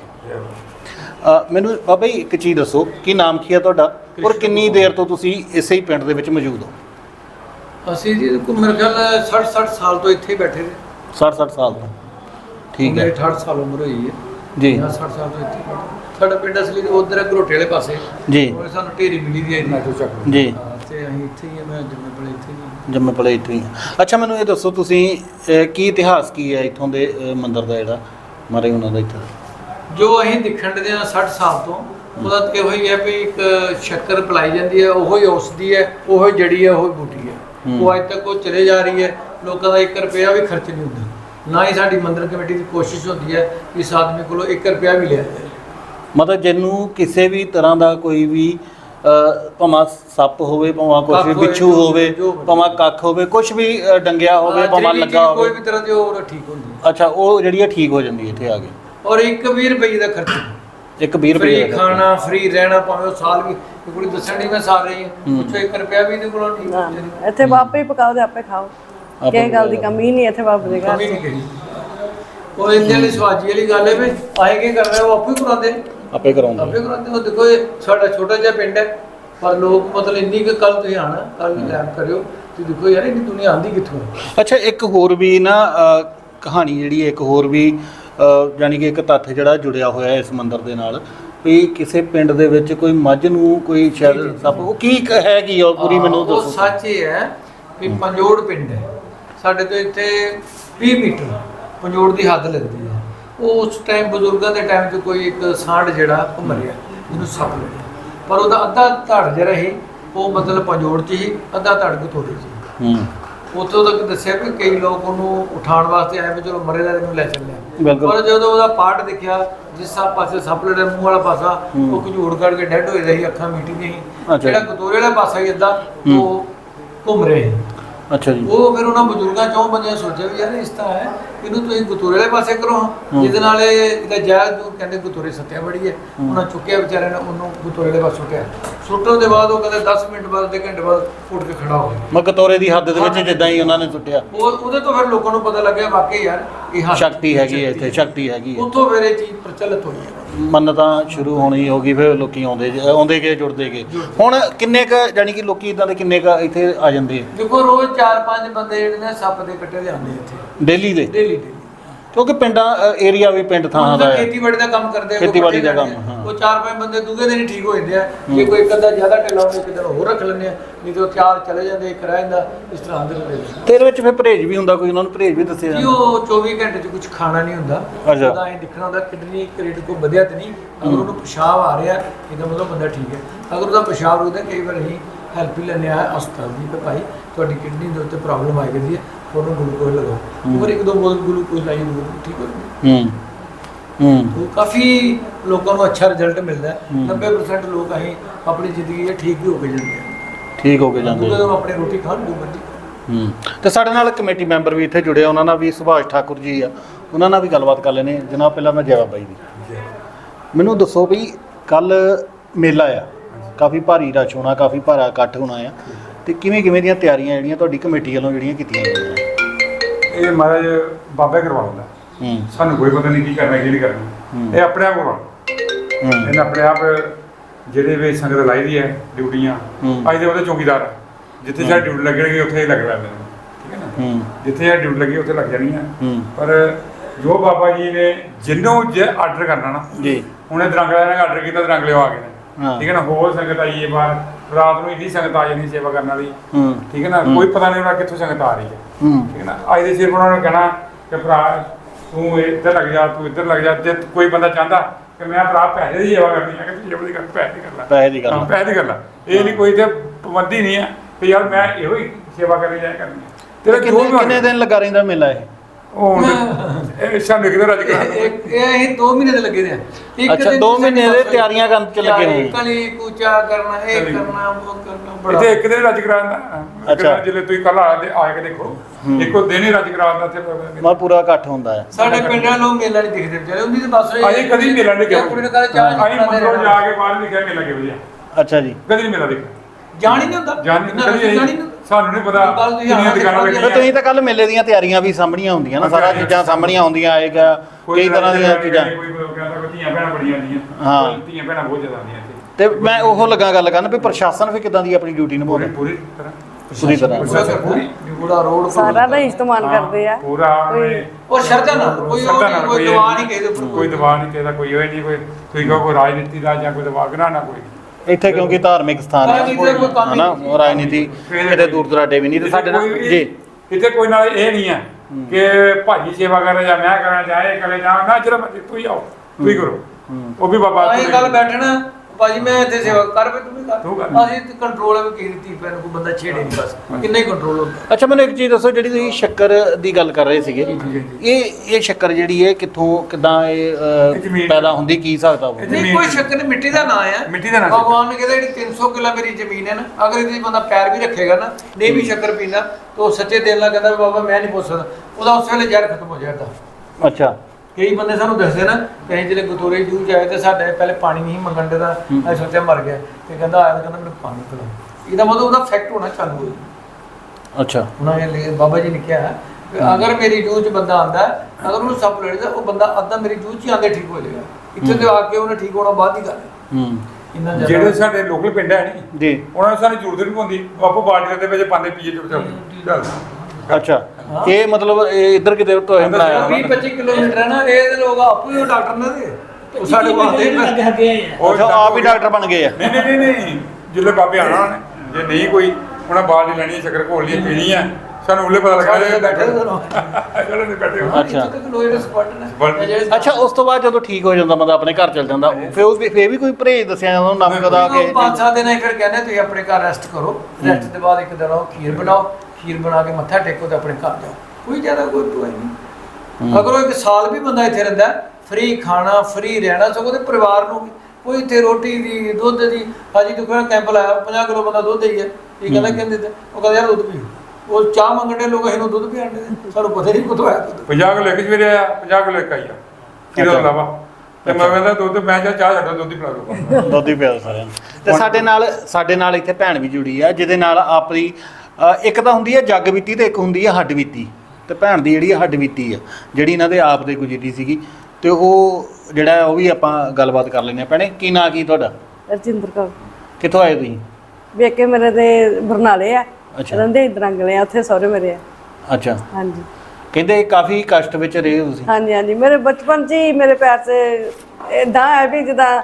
[SPEAKER 2] ਮੈਨੂੰ ਬਾਬਾ ਜੀ ਇੱਕ ਚੀਜ਼ ਦੱਸੋ, ਕੀ ਨਾਮ ਕੀ ਹੈ ਤੁਹਾਡਾ ਔਰ ਕਿੰਨੀ ਦੇਰ ਤੋਂ ਤੁਸੀਂ ਇਸੇ ਹੀ ਪਿੰਡ ਦੇ ਵਿੱਚ ਮੌਜੂਦ ਹੋ?
[SPEAKER 3] ਅਸੀਂ ਜੀ ਮੇਰੇ ਖਿਆਲ ਸੱਠ ਸੱਠ ਸਾਲ ਤੋਂ ਇੱਥੇ ਹੀ ਬੈਠੇ ਨੇ।
[SPEAKER 2] ਸੱਠ ਸੱਠ ਸਾਲ ਤੋਂ, ਠੀਕ ਹੈ।
[SPEAKER 3] ਅਠਾਹਠ ਸਾਲ ਉਮਰ ਹੋਈ ਹੈ
[SPEAKER 2] ਜੀ।
[SPEAKER 3] ਸੱਠ ਸਾਲ ਤੋਂ ਇੱਥੇ ਬੈਠੇ। ਸਾਡਾ ਪਿੰਡ ਅਸਲੀ ਉਧਰ ਘਰੋਟੇ ਵਾਲੇ ਪਾਸੇ
[SPEAKER 2] ਜੀ,
[SPEAKER 3] ਸਾਨੂੰ ਢੇਰੀ ਮਿਲੀ ਦੀ ਹੈ
[SPEAKER 2] ਜੀ।
[SPEAKER 3] ਤੇ ਅਸੀਂ ਇੱਥੇ ਹੀ ਆ, ਮੈਂ ਜੰਮੇ ਪਲੇ ਇੱਥੇ ਹੀ
[SPEAKER 2] ਜੰਮੇ ਪਲੇ ਇੱਥੇ ਹੀ। ਅੱਛਾ, ਮੈਨੂੰ ਇਹ ਦੱਸੋ ਤੁਸੀਂ ਕੀ ਇਤਿਹਾਸ ਕੀ ਹੈ ਇੱਥੋਂ ਦੇ ਮੰਦਿਰ ਦਾ ਜਿਹੜਾ ਮਾਰੇ ਉਹਨਾਂ ਦਾ ਇੱਥੇ
[SPEAKER 3] ਜੋ ਅਸੀਂ ਦਿਖਣ ਦੇ ਆ ਸੱਠ ਸਾਲ ਤੋਂ, ਉਹਦਾ ਤੇ ਇਹੋ ਹੀ ਹੈ ਵੀ ਇੱਕ ਸ਼ੱਕਰ ਪਲਾਈ ਜਾਂਦੀ ਹੈ, ਉਹੋ ਹੀ ਔਸਦੀ ਹੈ, ਉਹੋ ਜੜੀ ਹੈ, ਉਹੋ ਬੂਟੀ ਹੈ। ਉਹ ਅੱਜ ਤੱਕ ਉਹ ਚਲੇ ਜਾ ਰਹੀ ਹੈ। ਲੋਕਾਂ ਦਾ ਇੱਕ ਰੁਪਇਆ ਵੀ ਖਰਚ ਨਹੀਂ ਹੁੰਦਾ, ਨਾ ਹੀ ਸਾਡੀ ਮੰਦਿਰ ਕਮੇਟੀ ਦੀ ਕੋਸ਼ਿਸ਼ ਹੁੰਦੀ ਹੈ ਕਿ ਇਸ ਆਦਮੀ ਕੋਲੋਂ ਇੱਕ ਰੁਪਇਆ ਵੀ ਲਿਆ ਜਾਏ।
[SPEAKER 2] ਮਤਲਬ ਜਿਹਨੂੰ ਕਿਸੇ ਵੀ ਤਰ੍ਹਾਂ ਦਾ ਕੋਈ ਵੀ ਭਾਵੇਂ ਸੱਪ ਹੋਵੇ, ਭਾਵੇਂ ਕੁਛ ਵੀ ਬਿੱਛੂ ਹੋਵੇ, ਭਾਵੇਂ ਕੱਖ ਹੋਵੇ, ਕੁਛ ਵੀ ਡੰਗਿਆ ਹੋਵੇ, ਭਾਵੇਂ ਲੱਗਾ ਹੋਵੇ,
[SPEAKER 3] ਕੋਈ ਵੀ ਤਰ੍ਹਾਂ ਦੀ ਉਹ ਠੀਕ ਹੁੰਦੀ ਹੈ।
[SPEAKER 2] ਅੱਛਾ, ਉਹ ਜਿਹੜੀ ਹੈ ਠੀਕ ਹੋ ਜਾਂਦੀ ਹੈ ਇੱਥੇ ਆ ਕੇ।
[SPEAKER 3] ਔਰ ਇੱਕ ਵੀਹ ਰੁਪਏ ਦਾ ਖਰਚਾ,
[SPEAKER 2] ਇੱਕ ਵੀਹ ਰੁਪਏ
[SPEAKER 3] ਦਾ ਖਾਣਾ, ਫ੍ਰੀ ਰਹਿਣਾ, ਭਾਵੇਂ ਉਹ ਸਾਲ ਵੀ ਕੋਈ ਦੱਸਣ ਨਹੀਂ ਮੈਂ ਸਾਲ ਰਹੀ ਹਾਂ, ਪੁੱਛੋ ਇੱਕ ਰੁਪਿਆ ਵੀ ਇਹਦੇ ਕੋਲੋਂ ਨਹੀਂ।
[SPEAKER 1] ਇੱਥੇ ਬਾਪੇ ਹੀ ਪਕਾਓ ਤੇ ਆਪੇ ਖਾਓ, ਕਿਸੇ ਗੱਲ ਦੀ ਕਮੀ ਨਹੀਂ ਇੱਥੇ ਬਾਬੇ ਦੇ ਘਰ।
[SPEAKER 3] ਕਮੀ ਨਹੀਂ ਕਰੀ। ਉਹ ਇਹਦੇ ਲਈ ਸਵਾਜੀ ਵਾਲੀ ਗੱਲ ਹੈ ਵੀ ਆਏ ਕੀ ਕਰ ਰਹੇ, ਉਹ ਆਪੇ ਕਰਾਉਂਦੇ ਨੇ,
[SPEAKER 2] ਆਪੇ ਕਰਾਉਂਦੇ
[SPEAKER 3] ਆਪੇ ਕਰਾਉਂਦੇ। ਉਹ ਦੇਖੋ ਇਹ ਸਾਡਾ ਛੋਟਾ ਜਿਹਾ ਪਿੰਡ ਹੈ, ਪਰ ਲੋਕ ਮਤਲਬ ਇੰਨੀ ਕਿ ਕੱਲ ਤੁਸੀਂ ਆਣਾ, ਕੱਲ ਲੈਬ ਕਰਿਓ ਤੇ ਦੇਖੋ ਯਾਰ ਇੰਨੀ ਦੁਨੀਆ ਆਂਦੀ ਕਿੱਥੋਂ।
[SPEAKER 2] ਅੱਛਾ, ਇੱਕ ਹੋਰ ਵੀ ਨਾ ਕਹਾਣੀ ਜਿਹੜੀ ਹੈ, ਇੱਕ ਹੋਰ ਵੀ ਯਾਨੀ ਕਿ ਇੱਕ ਤੱਥ ਜਿਹੜਾ ਜੁੜਿਆ ਹੋਇਆ ਇਸ ਮੰਦਿਰ ਦੇ ਨਾਲ, ਵੀ ਕਿਸੇ ਪਿੰਡ ਦੇ ਵਿੱਚ ਕੋਈ ਮੱਝ ਨੂੰ ਕੋਈ ਸ਼ਾਇਦ ਸੱਪ, ਉਹ ਕੀ ਹੈ ਕੀ ਉਹ ਪੂਰੀ ਮੈਨੂੰ ਦੱਸੋ।
[SPEAKER 3] ਉਹ ਸੱਚ ਇਹ ਹੈ ਕਿ ਪੰਜੋੜ ਪਿੰਡ ਹੈ ਸਾਡੇ ਤੋਂ ਇੱਥੇ ਵੀਹ ਮੀਟਰ ਪੰਜੋੜ ਦੀ ਹੱਦ ਲੱਗਦੀ ਹੈ। ਉਹ ਉਸ ਟਾਈਮ ਬਜ਼ੁਰਗਾਂ ਦੇ ਟਾਈਮ 'ਚ ਕੋਈ ਇੱਕ ਸਾਂਢ ਜਿਹੜਾ ਉਹ ਮਰਿਆ, ਜਿਹਨੂੰ ਸੱਪ ਲੱਗਿਆ, ਪਰ ਉਹਦਾ ਅੱਧਾ ਧੜ ਜਿਹੜਾ ਸੀ ਉਹ ਮਤਲਬ ਪੰਜੋੜ 'ਚ ਹੀ, ਅੱਧਾ ਧੜ ਗਤੋਰੇ 'ਚ। ਹੂੰ ਉੱਥੋਂ ਤੱਕ ਦੱਸਿਆ ਕਿ ਕਈ ਲੋਕ ਉਹਨੂੰ ਉਠਾਉਣ ਵਾਸਤੇ ਆਏ ਵੀ ਚਲੋ ਮਰੇ ਦਾ ਇਹਨੂੰ ਲੈ ਚੱਲਿਆ, ਪਰ ਜਦੋਂ ਉਹਦਾ ਪਾਰਟ ਦੇਖਿਆ ਜਿਸ ਸਭ ਪਾਸੇ ਸੱਪ ਲੜਿਆ, ਮੂੰਹ ਵਾਲਾ ਪਾਸਾ ਉਹ ਘਜੂੜ ਕੱਢ ਕੇ ਡੈਡ ਹੋਏ ਰਹੀ, ਅੱਖਾਂ ਮੀਟੀ ਨਹੀਂ, ਜਿਹੜਾ ਗਤੋਰੇ ਵਾਲਾ ਪਾਸਾ ਹੀ ਏਦਾਂ ਉਹ ਘੁੰਮ ਰਹੇ। ਅੱਛਾ ਜੀ। ਉਹ ਫਿਰ ਉਹਨਾਂ ਬਜ਼ੁਰਗਾਂ ਚੋਂ ਬੰਦਿਆਂ ਸੋਚਿਆ ਵੀ ਯਾਰ ਇਸ ਤਰ੍ਹਾਂ ਹੈ, ਇਹਨੂੰ ਤੁਸੀਂ ਗਤੋਰੇ ਵਾਲੇ ਪਾਸੇ ਕਰੋ, ਜਿਹਦੇ ਨਾਲ ਇਹਦਾ ਜਾਇਜ਼ ਕਹਿੰਦੇ ਗਤੋਰੇ ਸੱਤਿਆ ਬੜੀ ਹੈ। ਉਹਨਾਂ ਚੁੱਕਿਆ ਵਿਚਾਰਿਆਂ ਨੇ ਉਹਨੂੰ ਗਤੋਰੇ ਵਾਲੇ ਪਾਸੇ ਸੁੱਟਿਆ। ਸੁੱਟਣ ਦੇ ਬਾਅਦ ਉਹ ਕਹਿੰਦੇ ਦਸ ਮਿੰਟ ਬਾਅਦ ਅੱਧੇ ਘੰਟੇ ਬਾਅਦ ਉੱਠ ਕੇ ਖੜਾ ਹੋ ਗਿਆ।
[SPEAKER 2] ਮੈਂ ਗਤੋਰੇ ਦੀ ਹੱਦ ਦੇ ਵਿੱਚ ਜਿੱਦਾਂ ਹੀ ਉਹਨਾਂ ਨੇ ਸੁੱਟਿਆ,
[SPEAKER 3] ਉਹ ਉਹਦੇ ਤੋਂ ਫਿਰ ਲੋਕਾਂ ਨੂੰ ਪਤਾ ਲੱਗਿਆ ਵਾਕਈ ਯਾਰ ਇਹ
[SPEAKER 2] ਸ਼ਕਤੀ ਹੈਗੀ ਹੈ ਇੱਥੇ, ਸ਼ਕਤੀ ਹੈਗੀ ਹੈ।
[SPEAKER 3] ਉੱਥੋਂ ਫਿਰ ਇਹ ਚੀਜ਼ ਪ੍ਰਚਲਿਤ ਹੋਈ ਹੈ,
[SPEAKER 2] ਮੰਨਤਾਂ ਸ਼ੁਰੂ ਹੋਣੀ ਹੋ ਗਈ, ਫਿਰ ਲੋਕੀ ਆਉਂਦੇ ਆਉਂਦੇ ਗਏ, ਜੁੜਦੇ ਗਏ। ਹੁਣ ਕਿੰਨੇ ਕੁ ਯਾਨੀ ਕਿ ਲੋਕੀ ਇਦਾਂ ਦੇ ਕਿੰਨੇ ਕੁ ਇੱਥੇ ਆ ਜਾਂਦੇ ਆ?
[SPEAKER 3] ਦੇਖੋ ਰੋਜ਼ ਚਾਰ ਪੰਜ ਬੰਦੇ ਜਿਹੜੇ ਨੇ ਸੱਪ ਦੇ ਕੱਟੇ ਲਿਆਉਂਦੇ ਇੱਥੇ
[SPEAKER 2] ਡੇਲੀ ਦੇ,
[SPEAKER 3] ਡੇਲੀ ਡੇਲੀ,
[SPEAKER 2] ਕਿਉਂਕਿ ਪਿੰਡਾਂ ਏਰੀਆ ਵੀ ਪਿੰਡ ਥਾਂ ਦਾ ਹੈ,
[SPEAKER 3] ਖੇਤੀਬਾੜੀ ਦਾ ਕੰਮ ਕਰਦੇ ਆ,
[SPEAKER 2] ਖੇਤੀਬਾੜੀ ਦਾ ਕੰਮ। ਹਾਂ,
[SPEAKER 3] ਉਹ ਚਾਰ ਪੰਜ ਬੰਦੇ ਦੂਗੇ ਦਿਨ ਹੀ ਠੀਕ ਹੋ ਜਾਂਦੇ ਆ। ਜੇ ਕੋਈ ਇੱਕ ਅੱਧਾ ਜ਼ਿਆਦਾ ਢਿੱਲਾ ਹੋਵੇ ਇੱਕ ਦਿਨ ਹੋਰ ਰੱਖ ਲੈਂਦੇ ਆ, ਨਹੀਂ ਤਾਂ ਚਾਰ ਚਲੇ ਜਾਂਦੇ, ਇੱਕ ਰਹਿ ਜਾਂਦਾ, ਇਸ ਤਰ੍ਹਾਂ ਆਉਂਦੇ ਰਹਿੰਦੇ।
[SPEAKER 2] ਤੇ ਇਹਦੇ ਵਿੱਚ ਫਿਰ ਪਰਹੇਜ ਵੀ ਹੁੰਦਾ ਕੋਈ, ਉਹਨਾਂ ਨੂੰ ਪਰਹੇਜ ਵੀ ਦੱਸਿਆ ਜਾਂਦਾ?
[SPEAKER 3] ਉਹ ਚੌਵੀ ਘੰਟੇ 'ਚ ਕੁਝ ਖਾਣਾ ਨਹੀਂ ਹੁੰਦਾ, ਉਹਦਾ ਇਹ ਦੇਖਣਾ ਹੁੰਦਾ ਕਿਡਨੀ ਕ੍ਰੇਟ ਕੋ ਵਧਿਆ ਤੇ ਨਹੀਂ। ਅਗਰ ਉਹਨੂੰ ਪਿਸ਼ਾਬ ਆ ਰਿਹਾ ਇਹਦਾ ਮਤਲਬ ਬੰਦਾ ਠੀਕ ਹੈ। ਅਗਰ ਉਹਦਾ ਪਿਸ਼ਾਬ ਰੁਕਦਾ, ਕਈ ਵਾਰ ਅਸੀਂ ਹੈਲਪ ਹੀ ਲੈਂਦੇ ਆ ਹਸਪਤਾਲ ਦੀ ਕਿ ਭਾਈ ਤੁਹਾਡੀ ਕਿਡਨੀ ਦੇ ਉੱਤੇ ਪ੍ਰੋਬਲਮ ਆ ਗਈ ਹੈ, ਉਹਨੂੰ ਗਲੂਕੋਜ਼ ਲਗਾਓ, ਪਰ ਇੱਕ ਦੋ ਬੋਤਲ ਗਲੂਕੋਜ਼ ਲਾਈ ਠੀਕ ਹੋ ਜਾਂਦੀ। ਹੂੰ ਹੂੰ ਕਾਫੀ ਲੋਕਾਂ ਨੂੰ ਅੱਛਾ ਰਿਜ਼ਲਟ ਮਿਲਦਾ ਹੈ। ਨੱਬੇ ਪਰਸੈਂਟ ਲੋਕ ਅਸੀਂ ਆਪਣੀ ਜ਼ਿੰਦਗੀ 'ਚ ਠੀਕ ਵੀ ਹੋ ਕੇ ਜਾਂਦੇ ਆ, ਠੀਕ ਹੋ ਕੇ ਜਾਂਦੇ ਆ, ਆਪਣੀ ਰੋਟੀ ਖਾਣ ਜੋ ਮਰਜ਼ੀ। ਹੂੰ ਤੇ ਸਾਡੇ ਨਾਲ ਕਮੇਟੀ ਮੈਂਬਰ ਵੀ ਇੱਥੇ ਜੁੜੇ, ਉਹਨਾਂ ਨਾਲ ਵੀ ਸੁਭਾਸ਼ ਠਾਕੁਰ ਜੀ ਆ, ਉਹਨਾਂ ਨਾਲ ਵੀ ਗੱਲਬਾਤ ਕਰ ਲੈਣੇ। ਜਨਾਬ ਪਹਿਲਾਂ ਮੈਂ ਜੈ ਬਾਬਾ ਜੀ ਦੀ, ਮੈਨੂੰ ਦੱਸੋ ਵੀ ਕੱਲ ਮੇਲਾ ਆ,
[SPEAKER 2] ਕਾਫੀ ਭਾਰੀ ਰਸ਼ ਹੋਣਾ, ਕਾਫੀ ਭਾਰਾ ਇਕੱਠ ਹੋਣਾ ਆ, ਤੇ ਕਿਵੇਂ ਕਿਵੇਂ ਦੀਆਂ ਤਿਆਰੀਆਂ ਜਿਹੜੀਆਂ ਤੁਹਾਡੀ ਕਮੇਟੀ ਵੱਲੋਂ ਜਿਹੜੀਆਂ ਕੀਤੀਆਂ ਗਈਆਂ?
[SPEAKER 4] ਇਹ ਮਹਾਰਾਜ ਬਾਬਾ ਕਰਵਾਉਂਦਾ,
[SPEAKER 2] ਹੂੰ
[SPEAKER 4] ਸਾਨੂੰ ਕੋਈ ਪਤਾ ਨਹੀਂ ਕੀ ਕਰਨਾ ਕੀ ਨਹੀਂ ਕਰਨਾ, ਇਹ ਆਪਣੇ ਆਪ ਕਰਵਾਉਣਾ।
[SPEAKER 2] ਹੂੰ
[SPEAKER 4] ਇਹਨੇ ਆਪਣੇ ਆਪ ਜਿਹੜੇ ਵੀ ਸੰਗਤ ਲਾਈ ਦੀ ਹੈ ਡਿਊਟੀਆਂ, ਅੱਜ ਦੇ ਉਹਦੇ ਚੌਕੀਦਾਰ ਆ, ਜਿੱਥੇ ਸਾਡੀ ਡਿਊਟੀ ਲੱਗੇਗੀ ਉੱਥੇ ਹੀ ਲੱਗ ਪੈਂਦੇ ਨੇ, ਠੀਕ ਹੈ ਨਾ।
[SPEAKER 2] ਹੂੰ
[SPEAKER 4] ਜਿੱਥੇ ਇਹ ਡਿਊਟੀ ਲੱਗੀ ਉੱਥੇ ਲੱਗ ਜਾਣੀ ਆ,
[SPEAKER 2] ਹੂੰ
[SPEAKER 4] ਪਰ ਜੋ ਬਾਬਾ ਜੀ ਨੇ ਜਿਹਨੂੰ ਜੇ ਆਰਡਰ ਕਰਨਾ ਨਾ,
[SPEAKER 2] ਜੀ
[SPEAKER 4] ਉਹਨੇ ਦਰੰਗਲਿਆਂ ਨੇ ਆਰਡਰ ਕੀਤਾ, ਦਰੰਗਲੇ ਆ ਗਏ ਨੇ,
[SPEAKER 2] ਹਾਂ
[SPEAKER 4] ਠੀਕ ਹੈ ਨਾ। ਹੋਰ ਸੰਗਤ ਆਈ ਹੈ ਬਾਹਰ, ਰਾਤ ਨੂੰ ਇੰਨੀ ਸੰਗਤ ਆ ਜਾਂਦੀ ਸੇਵਾ ਕਰਨ ਵਾਲੀ,
[SPEAKER 2] ਹੂੰ
[SPEAKER 4] ਠੀਕ ਹੈ ਨਾ। ਕੋਈ ਪਤਾ ਨਹੀਂ ਉਹਨਾਂ ਕਿੱਥੋਂ ਸੰਗਤ ਆ ਰਹੀ ਹੈ,
[SPEAKER 2] ਹੂੰ
[SPEAKER 4] ਠੀਕ ਹੈ ਨਾ। ਅੱਜ ਦੇ ਸਿਰ ਉਹਨਾਂ ਨੂੰ ਕਹਿਣਾ ਕਿ ਭਰਾ ਤੂੰ ਇੱਧਰ ਲੱਗ ਜਾ, ਤੂੰ ਇੱਧਰ ਲੱਗ ਜਾ। ਜੇ ਕੋਈ ਬੰਦਾ ਚਾਹੁੰਦਾ ਕਿ ਮੈਂ ਭਰਾ ਪੈਸੇ ਦੀ ਸੇਵਾ ਕਰਨੀ ਹੈ, ਕਿ ਤੂੰ ਸੇਵਾ ਦੀ ਕਰ, ਪੈਸੇ ਦੀ ਕਰ ਲੈ,
[SPEAKER 2] ਪੈਸੇ ਦੀ ਗੱਲ
[SPEAKER 4] ਹਾਂ ਪੈਸੇ ਦੀ ਕਰ ਲੈ। ਇਹ ਨਹੀਂ ਕੋਈ ਤੇ ਪਾਬੰਦੀ ਨਹੀਂ ਹੈ ਕਿ ਯਾਰ ਮੈਂ ਇਹੋ ਹੀ ਸੇਵਾ ਕਰਨੀ ਜਾਏ ਕਰਨੀ ਹੈ। ਤੇਰਾ ਜੋ
[SPEAKER 2] ਕਿੰਨੇ
[SPEAKER 4] ਵੀ
[SPEAKER 2] ਕਿੰਨੇ ਦਿਨ ਲੱਗਾ ਰਹਿੰਦਾ ਮੇਲਾ ਇਹ?
[SPEAKER 4] ਉਹ ਇਹ ਸਾਨੂੰ ਕਿਧਰ ਅੱਜ ਕਰਾ
[SPEAKER 3] ਇੱਕ ਇਹ ਅਸੀਂ ਦੋ ਮਹੀਨੇ ਦੇ ਲੱਗੇ ਦੇ ਆ। ਇੱਕ
[SPEAKER 2] ਅੱਛਾ,
[SPEAKER 3] ਦਿਨ
[SPEAKER 2] ਦੋ
[SPEAKER 3] ਚ
[SPEAKER 2] ਮਹੀਨੇ
[SPEAKER 3] ਸਾਡੀ
[SPEAKER 2] ਦੇ ਤਿਆਰੀਆਂ ਕਰਨ ਚ ਲੱਗੇ ਹੋਏ।
[SPEAKER 3] ਕਲੀ ਕੂਚਾ ਕਰਨਾ, ਇਹ ਕਰਨਾ, ਉਹ ਕਰਨਾ, ਬੜਾ
[SPEAKER 4] ਇੱਥੇ ਇੱਕ ਦਿਨ ਰੱਜ ਕਰਾਉਂਦਾ।
[SPEAKER 2] ਅੱਛਾ।
[SPEAKER 4] ਜਿਲੇ ਤੁਸੀਂ ਕੱਲ ਆ ਆ ਕੇ ਦੇਖੋ, ਇੱਕੋ ਦਿਨ ਹੀ ਰੱਜ ਕਰਾਉਂਦਾ ਇੱਥੇ।
[SPEAKER 2] ਮਾ ਪੂਰਾ ਇਕੱਠ ਹੁੰਦਾ ਹੈ।
[SPEAKER 3] ਸਾਡੇ ਪਿੰਡਾਂ ਲੋਕ ਮੇਲਾ ਨਹੀਂ ਦੇਖਦੇ ਵਿਚਾਰੇ, ਉਹਦੀ ਤਾਂ ਬਸ ਹੋਈ
[SPEAKER 4] ਅਸੀਂ ਕਦੀ ਮੇਲਾ ਨਹੀਂ
[SPEAKER 3] ਕੁੜੀ ਨੇ ਕਹਿੰਦਾ ਚਾਹ
[SPEAKER 4] ਅਸੀਂ ਮੰਦਰੋਂ ਜਾ ਕੇ ਬਾਹਰ ਨਹੀਂ ਗਿਆ ਮੇਲਾ ਕਿਹੋ ਜਿਹਾ,
[SPEAKER 2] ਅੱਛਾ ਜੀ।
[SPEAKER 4] ਕਦੀ ਨਹੀਂ ਮੇਲਾ ਦੇਖਿਆ,
[SPEAKER 3] ਜਾਣ ਹੀ ਨਹੀਂ ਹੁੰਦਾ,
[SPEAKER 4] ਜਾਣ
[SPEAKER 3] ਇੰਨਾ
[SPEAKER 4] ਕਦੀ
[SPEAKER 3] ਜਾਣ ਹੀ
[SPEAKER 4] ਅਸੀਂ-
[SPEAKER 3] ਨਹੀਂ।
[SPEAKER 4] ਸਾਨੂੰ ਨਹੀਂ ਪਤਾ
[SPEAKER 3] ਗੱਲ ਤੁਸੀਂ
[SPEAKER 4] ਕਿੰਨੀਆਂ
[SPEAKER 3] ਆਪ
[SPEAKER 4] ਦੁਕਾਨਾਂ
[SPEAKER 3] ਦੇਖੋ
[SPEAKER 2] ਤੇ
[SPEAKER 4] ਲੱਗੀਆਂ।
[SPEAKER 2] ਤੁਸੀਂ ਤਾਂ ਕੱਲ ਮੇਲੇ ਦੀਆਂ ਤਿਆਰੀਆਂ ਵੀ ਸਾਹਮਣੀਆਂ ਹੁੰਦੀਆਂ ਨਾ, ਸਾਰਾ ਚੀਜ਼ਾਂ ਸਾਹਮਣੀਆਂ ਹੁੰਦੀਆਂ ਆਏਗਾ, ਕਈ ਤਰ੍ਹਾਂ ਦੀਆਂ ਚੀਜ਼ਾਂ।
[SPEAKER 4] ਕੋਈ ਕਹਿੰਦਾ ਕੋਈ ਧੀਆਂ ਭੈਣਾਂ ਬੜੀਆਂ ਆਉਂਦੀਆਂ,
[SPEAKER 2] ਹਾਂ।
[SPEAKER 4] ਕੋਈ ਧੀਆਂ ਭੈਣਾਂ ਬਹੁਤ ਜ਼ਿਆਦਾ ਆਉਂਦੀਆਂ ਇੱਥੇ,
[SPEAKER 2] ਤੇ ਮੈਂ ਉਹ ਲੱਗਾ ਗੱਲ ਕਰਨ ਵੀ ਪ੍ਰਸ਼ਾਸਨ ਫਿਰ ਕਿਦਾਂ ਦੀ ਆਪਣੀ ਡਿਊਟੀ
[SPEAKER 4] ਪੂਰੀ
[SPEAKER 2] ਨਿਭਾਉਂਦਾ?
[SPEAKER 4] ਪੂਰੀ ਤਰ੍ਹਾਂ
[SPEAKER 2] ਪੂਰੀ ਤਰ੍ਹਾਂ
[SPEAKER 4] ਪ੍ਰਸ਼ਾਸਨ ਪੂਰੀ
[SPEAKER 3] ਪੂਰਾ ਰੋਡ
[SPEAKER 1] ਸਾਰਾ ਦਾ ਇਸਤੇਮਾਲ ਕਰਦੇ ਆ।
[SPEAKER 4] ਪੂਰਾ ਉਹਨੇ
[SPEAKER 3] ਉਹ ਸ਼ਰਧਾ ਨਾਲ ਕੋਈ ਉਹ
[SPEAKER 4] ਸ਼ਰਧਾ
[SPEAKER 3] ਨਹੀਂ,
[SPEAKER 4] ਨਾਲ
[SPEAKER 3] ਕੋਈ ਦਵਾ ਨਹੀਂ ਕਿਸੇ ਦੇ ਉੱਪਰ
[SPEAKER 4] ਕੋਈ ਦਬਾਅ ਨਹੀਂ ਕਿਸੇ ਦਾ, ਕੋਈ ਹੋਏ ਨਹੀਂ ਕੋਈ ਤੁਸੀਂ ਕਹੋ ਕੋਈ ਰਾਜਨੀਤੀ ਦਾ ਜਾਂ ਕੋਈ ਦਬਾਅ ਨਾ ਨਾ ਕੋਈ।
[SPEAKER 2] ਇੱਥੇ ਕਿਉਂਕਿ ਧਾਰਮਿਕ ਸਥਾਨ ਹੈ
[SPEAKER 3] ਰਾਜਨੀਤੀ ਦਾ ਕੋਈ ਕੰਮ ਹੀ
[SPEAKER 2] ਹਨਾ,
[SPEAKER 3] ਨਹੀਂ।
[SPEAKER 2] ਉਹ ਰਾਜਨੀਤੀ ਕਿਤੇ ਦੂਰ ਦਰਾਡੇ ਵੀ ਨਹੀਂ, ਤੇ ਸਾਡੇ ਨਾਲ
[SPEAKER 4] ਕੋਈ-
[SPEAKER 2] ਜੀ
[SPEAKER 4] ਇੱਥੇ ਕੋਈ ਨਾਲ ਇਹ ਨਹੀਂ ਹੈ ਕਿ ਭਾਜੀ ਸੇਵਾ ਕਰੇ ਜਾਂ ਮੈਂ ਕਰਾਂ ਜਾਂ ਇਹ ਕਰੇ ਜਾਂ ਨਾ, ਜਿਹੜਾ ਮਰਜ਼ੀ ਤੂੰ ਹੀ ਆਓ, ਤੂੰ ਹੀ ਕਰੋ। ਉਹ ਵੀ ਬਾਬਾ
[SPEAKER 3] ਆਏ ਗੱਲ ਬੈਠਣਾ ਭਾਜੀ ਮੈਂ ਇੱਥੇ ਸੇਵਾ ਕਰ ਪਏ, ਤੂੰ ਵੀ
[SPEAKER 4] ਤੂੰ
[SPEAKER 3] ਕਰ।
[SPEAKER 4] ਕਰ।
[SPEAKER 3] ਅਸੀਂ ਤੇ ਕੰਟਰੋਲ ਹੈ ਵੀ ਕਿਸੇ ਦੀ ਭੈਣ ਕੋਈ ਬੰਦਾ ਛੇੜੇ ਨਹੀਂ, ਬਸ ਕਿੰਨਾ ਹੀ ਕੰਟਰੋਲ ਹੁੰਦਾ।
[SPEAKER 2] ਅੱਛਾ, ਮੈਨੂੰ ਇੱਕ ਚੀਜ਼ ਦੱਸੋ, ਜਿਹੜੀ ਤੁਸੀਂ ਸ਼ੱਕਰ ਦੀ ਗੱਲ ਕਰ ਰਹੇ ਸੀਗੇ, ਇਹ ਇਹ ਸ਼ੱਕਰ ਜਿਹੜੀ ਹੈ ਕਿੱਥੋਂ ਕਿਦਾਂ ਇਹ ਅਹ,
[SPEAKER 4] ਇਹ ਜ਼ਮੀਨ-
[SPEAKER 2] ਪੈਦਾ ਹੁੰਦੀ, ਕੀ ਹਿਸਾਬ
[SPEAKER 4] ਇਹ
[SPEAKER 3] ਨਹੀਂ ਕੋਈ ਸ਼ੱਕ ਨਹੀਂ, ਮਿੱਟੀ ਦਾ ਨਾਂ ਹੈ,
[SPEAKER 4] ਮਿੱਟੀ ਦਾ ਨਾਂ।
[SPEAKER 3] ਭਗਵਾਨ ਨੇ ਕਹਿੰਦਾ ਜਿਹੜੀ ਤਿੰਨ ਸੌ ਕਿੱਲਾ ਮੇਰੀ ਜ਼ਮੀਨ ਹੈ ਨਾ, ਅਗਰ ਇਹਦੇ 'ਚ ਬੰਦਾ ਪੈਰ ਵੀ ਰੱਖੇਗਾ ਨਾ, ਨਹੀਂ ਵੀ ਸ਼ੱਕਰ ਪੀਣਾ, ਤਾਂ ਉਹ ਸੱਚੇ ਦਿਲ ਨਾਲ ਕਹਿੰਦਾ ਵੀ ਬਾਬਾ ਮੈਂ ਨਹੀਂ ਪੁੱਛ ਸਕਦਾ, ਉਹਦਾ ਉਸ ਵੇਲੇ ਜ਼ਹਿਰ ਖਤਮ ਹੋ ਜਾਂਦਾ।
[SPEAKER 2] ਅੱਛਾ।
[SPEAKER 3] ਕਈ ਬੰਦੇ ਸਾਨੂੰ ਦੱਸਦੇ ਨਾ ਕਿ ਅਸੀਂ ਜਿਹੜੇ ਗਤੂਰੇ ਜੂ ਜਾਏ ਤੇ ਸਾਡੇ ਪਹਿਲੇ ਪਾਣੀ ਨਹੀਂ ਮੰਗਣ ਦੇ ਦਾ, ਅਸੀਂ ਸੋਚਿਆ ਮਰ ਗਿਆ, ਤੇ ਕਹਿੰਦਾ ਆਇਆ ਕਹਿੰਦਾ ਮੈਨੂੰ ਪਾਣੀ ਪਿਲਾਓ। ਇਹਦਾ ਮਤਲਬ ਉਹਦਾ ਫੈਕਟ ਹੋਣਾ ਚਾਲੂ ਹੋ ਜਾਂਦਾ।
[SPEAKER 2] ਅੱਛਾ।
[SPEAKER 3] ਉਹਨਾਂ ਨੇ ਬਾਬਾ ਜੀ ਨੇ ਕਿਹਾ ਕਿ ਅਗਰ ਮੇਰੀ ਜੂਹ 'ਚ ਬੰਦਾ ਆਂਦਾ, ਅਗਰ ਉਹਨੂੰ ਸੱਪ ਲੜਦਾ, ਉਹ ਬੰਦਾ ਅੱਧਾ ਮੇਰੀ ਜੂਹ 'ਚ ਹੀ ਆਂਦੇ ਠੀਕ ਹੋ ਜਾਏਗਾ। ਇੱਥੇ ਤੇ ਆ ਕੇ ਉਹਨੇ ਠੀਕ ਹੋਣਾ ਬਾਅਦ ਦੀ ਗੱਲ ਹੈ।
[SPEAKER 2] ਹੂੰ
[SPEAKER 3] ਇੰਨਾ
[SPEAKER 4] ਜਿਹੜੇ
[SPEAKER 3] ਜ਼ਿਆਦਾ
[SPEAKER 4] ਸਾਡੇ ਲੋਕਲ ਪਿੰਡ ਹੈ ਨਹੀਂ,
[SPEAKER 2] ਜੀ।
[SPEAKER 4] ਉਹਨਾਂ ਨੂੰ ਸਾਨੂੰ ਜ਼ਰੂਰਤ ਨਹੀਂ ਹੁੰਦੀ, ਆਪੋ ਬਾਲਟੀਆਂ ਦੇ ਵਿੱਚ ਪਾਉਂਦੇ ਪੀਏ ਚੁੱਪ ਚਾਪ।
[SPEAKER 2] ਅੱਛਾ, ਇਹ ਮਤਲਬ ਇਹ ਇੱਧਰ ਕਿਤੇ ਤੋਂ ਇਹ ਬਣਾਇਆ ਹੋਣਾ?
[SPEAKER 3] ਵੀਹ ਪੱਚੀ ਕਿਲੋਮੀਟਰ ਹੈ ਨਾ, ਇਹ ਤੇ ਲੋਕ ਆਪੋ ਹੀ ਉਹ ਡਾਕਟਰ ਨੇ ਦੇ ਉਹ ਸਾਡੇ ਵਾਸਤੇ
[SPEAKER 2] ਅੱਛਾ, ਆਪ ਹੀ ਡਾਕਟਰ ਬਣ ਗਏ ਆ?
[SPEAKER 4] ਨਹੀਂ ਨਹੀਂ ਨਹੀਂ ਨਹੀਂ, ਜਿੱਲੇ ਬਾਬੇ ਆਣਾ ਉਹਨੇ, ਜੇ ਨਹੀਂ ਕੋਈ ਉਹਨਾਂ ਬਾਲਟੀ ਲੈਣੀ, ਸ਼ੱਕਰ ਘੋਲਣੀ ਪੀਣੀ ਹੈ, ਸਾਨੂੰ ਉਹਲੇ ਪਤਾ ਲੱਗਾ ਜੇ
[SPEAKER 3] ਬੈਠੇ
[SPEAKER 4] ਬੈਠੇ
[SPEAKER 3] ਦੋਨੋਂ।
[SPEAKER 4] ਚਲੋ ਨਹੀਂ ਬੈਠੇ
[SPEAKER 2] ਅੱਛਾ।
[SPEAKER 3] ਇੱਥੇ ਤੱਕ ਲੋਹੇ ਦੇ ਸਪਾਟ ਨੇ
[SPEAKER 4] ਸਪਾਟ।
[SPEAKER 3] ਇਹ ਜਿਹੜੇ
[SPEAKER 2] ਅੱਛਾ, ਉਸ ਤੋਂ ਬਾਅਦ ਜਦੋਂ ਠੀਕ ਹੋ ਜਾਂਦਾ ਬੰਦਾ ਆਪਣੇ ਘਰ ਚਲ ਜਾਂਦਾ, ਫਿਰ ਉਸ ਫਿਰ ਵੀ ਕੋਈ ਪਰਹੇਜ਼ ਦੱਸਿਆ ਜਾਂਦਾ ਉਹਨੂੰ, ਨਮਕ ਦਾ
[SPEAKER 3] ਉਹ ਪੰਜ
[SPEAKER 2] ਕਿ?
[SPEAKER 3] ਸੱਤ ਦਿਨ ਅਸੀਂ ਫਿਰ ਕਹਿੰਦੇ ਤੁਸੀਂ ਆਪਣੇ ਘਰ ਰੈਸਟ ਕਰੋ, ਰੈਸਟ ਦੇ ਬਾਅਦ ਇੱਕ ਦਿਨ ਆਓ ਖੀਰ ਬਣਾਓ, ਖੀਰ ਬਣਾ ਕੇ ਮੱਥਾ ਟੇਕੋ ਤੇ ਆਪਣੇ ਘਰ ਜਾਓ, ਕੋਈ ਜ਼ਿਆਦਾ ਕੋਈ ਟੋਈ ਨਹੀਂ। ਅਗਰ ਉਹ ਇੱਕ ਸਾਲ ਵੀ ਬੰਦਾ ਇੱਥੇ ਰਹਿੰਦਾ, ਫ੍ਰੀ ਖਾਣਾ, ਫ੍ਰੀ ਰਹਿਣਾ, ਸਗੋਂ ਉਹਦੇ ਪਰਿਵਾਰ ਨੂੰ ਵੀ ਕੋਈ ਇੱਥੇ ਰੋਟੀ ਦੀ, ਦੁੱਧ ਦੀ, ਹਾਜੀ ਦੁਕਾਨ ਕੈਂਪ ਲਾਇਆ, ਪੰਜਾਹ ਕਿਲੋ ਬੰਦਾ ਦੁੱਧ ਹੀ ਹੈ, ਇਹ ਕਹਿੰਦਾ ਕਹਿੰਦੇ ਤੇ ਉਹ ਕਹਿੰਦਾ ਯਾਰ ਦੁੱਧ ਪੀਓ, ਉਹ ਚਾਹ ਮੰਗਣੇ ਲੋਕ ਇਹਨੂੰ ਦੁੱਧ ਪਿਆਣ ਦੇ, ਸਾਨੂੰ ਪਤਾ ਨਹੀਂ ਕਿੱਥੋਂ ਆਇਆ ਦੁੱਧ।
[SPEAKER 4] ਪੰਜਾਹ ਕਿਲੋ ਇੱਕ ਸਵੇਰੇ ਆਇਆ, ਪੰਜਾਹ ਕਿਲੋ ਇੱਕ ਆਈ ਆ ਕਿਲੋ ਤੋਂ ਇਲਾਵਾ, ਤੇ ਮੈਂ ਕਹਿੰਦਾ ਦੁੱਧ ਮੈਂ ਜਾਂ ਚਾਹ ਛੱਡੋ, ਦੁੱਧ ਹੀ ਪਿਲਾ ਦੋ।
[SPEAKER 2] ਦੁੱਧ ਹੀ ਪਿਆ ਸਾਰਿਆਂ ਨੂੰ। ਤੇ ਸਾਡੇ ਨਾਲ ਸਾਡੇ ਨਾਲ ਇੱਥੇ ਭੈਣ ਵੀ ਜੁੜੀ ਆ, ਜਿਹਦੇ ਨਾਲ ਆਪਣੀ ਅ, ਇੱਕ ਤਾਂ ਹੁੰਦੀ ਹੈ ਜੱਗ ਬੀਤੀ ਤੇ ਇੱਕ ਹੁੰਦੀ ਹੈ ਹੱਡ ਬੀਤੀ। ਤੇ ਭੈਣ ਦੀ ਜਿਹੜੀ ਹੱਡ ਬੀਤੀ ਆ, ਜਿਹੜੀ ਇਹਨਾਂ ਦੇ ਆਪ ਦੇ ਗੁਜ਼ਰੀ ਸੀਗੀ, ਤੇ ਉਹ ਜਿਹੜਾ ਉਹ ਵੀ ਆਪਾਂ ਗੱਲਬਾਤ ਕਰ ਲੈਂਦੇ ਆ। ਭੈਣੇ, ਕੀ ਨਾਂ ਕੀ ਤੁਹਾਡਾ?
[SPEAKER 1] ਰਜਿੰਦਰ ਕੌਰ।
[SPEAKER 2] ਕਿੱਥੋਂ ਆਏ ਤੁਸੀਂ?
[SPEAKER 1] ਵੇਖੇ ਮੇਰੇ ਦੇ ਬਰਨਾਲੇ ਆ,
[SPEAKER 2] ਅੱਛਾ।
[SPEAKER 1] ਰਹਿੰਦੇ ਇਦਰੰਗਲੇ ਆ, ਉੱਥੇ ਸਹੁਰੇ ਮੇਰੇ ਆ।
[SPEAKER 2] ਅੱਛਾ।
[SPEAKER 1] ਹਾਂਜੀ
[SPEAKER 2] ਕਹਿੰਦੇ ਕਾਫੀ ਕਸ਼ਟ ਵਿੱਚ ਰਹੇ ਹੋ ਤੁਸੀਂ?
[SPEAKER 1] ਹਾਂਜੀ ਹਾਂਜੀ, ਮੇਰੇ ਬਚਪਨ 'ਚ ਹੀ ਮੇਰੇ ਪੈਰ 'ਚ ਇਦਾਂ ਹੈ ਵੀ ਜਿੱਦਾਂ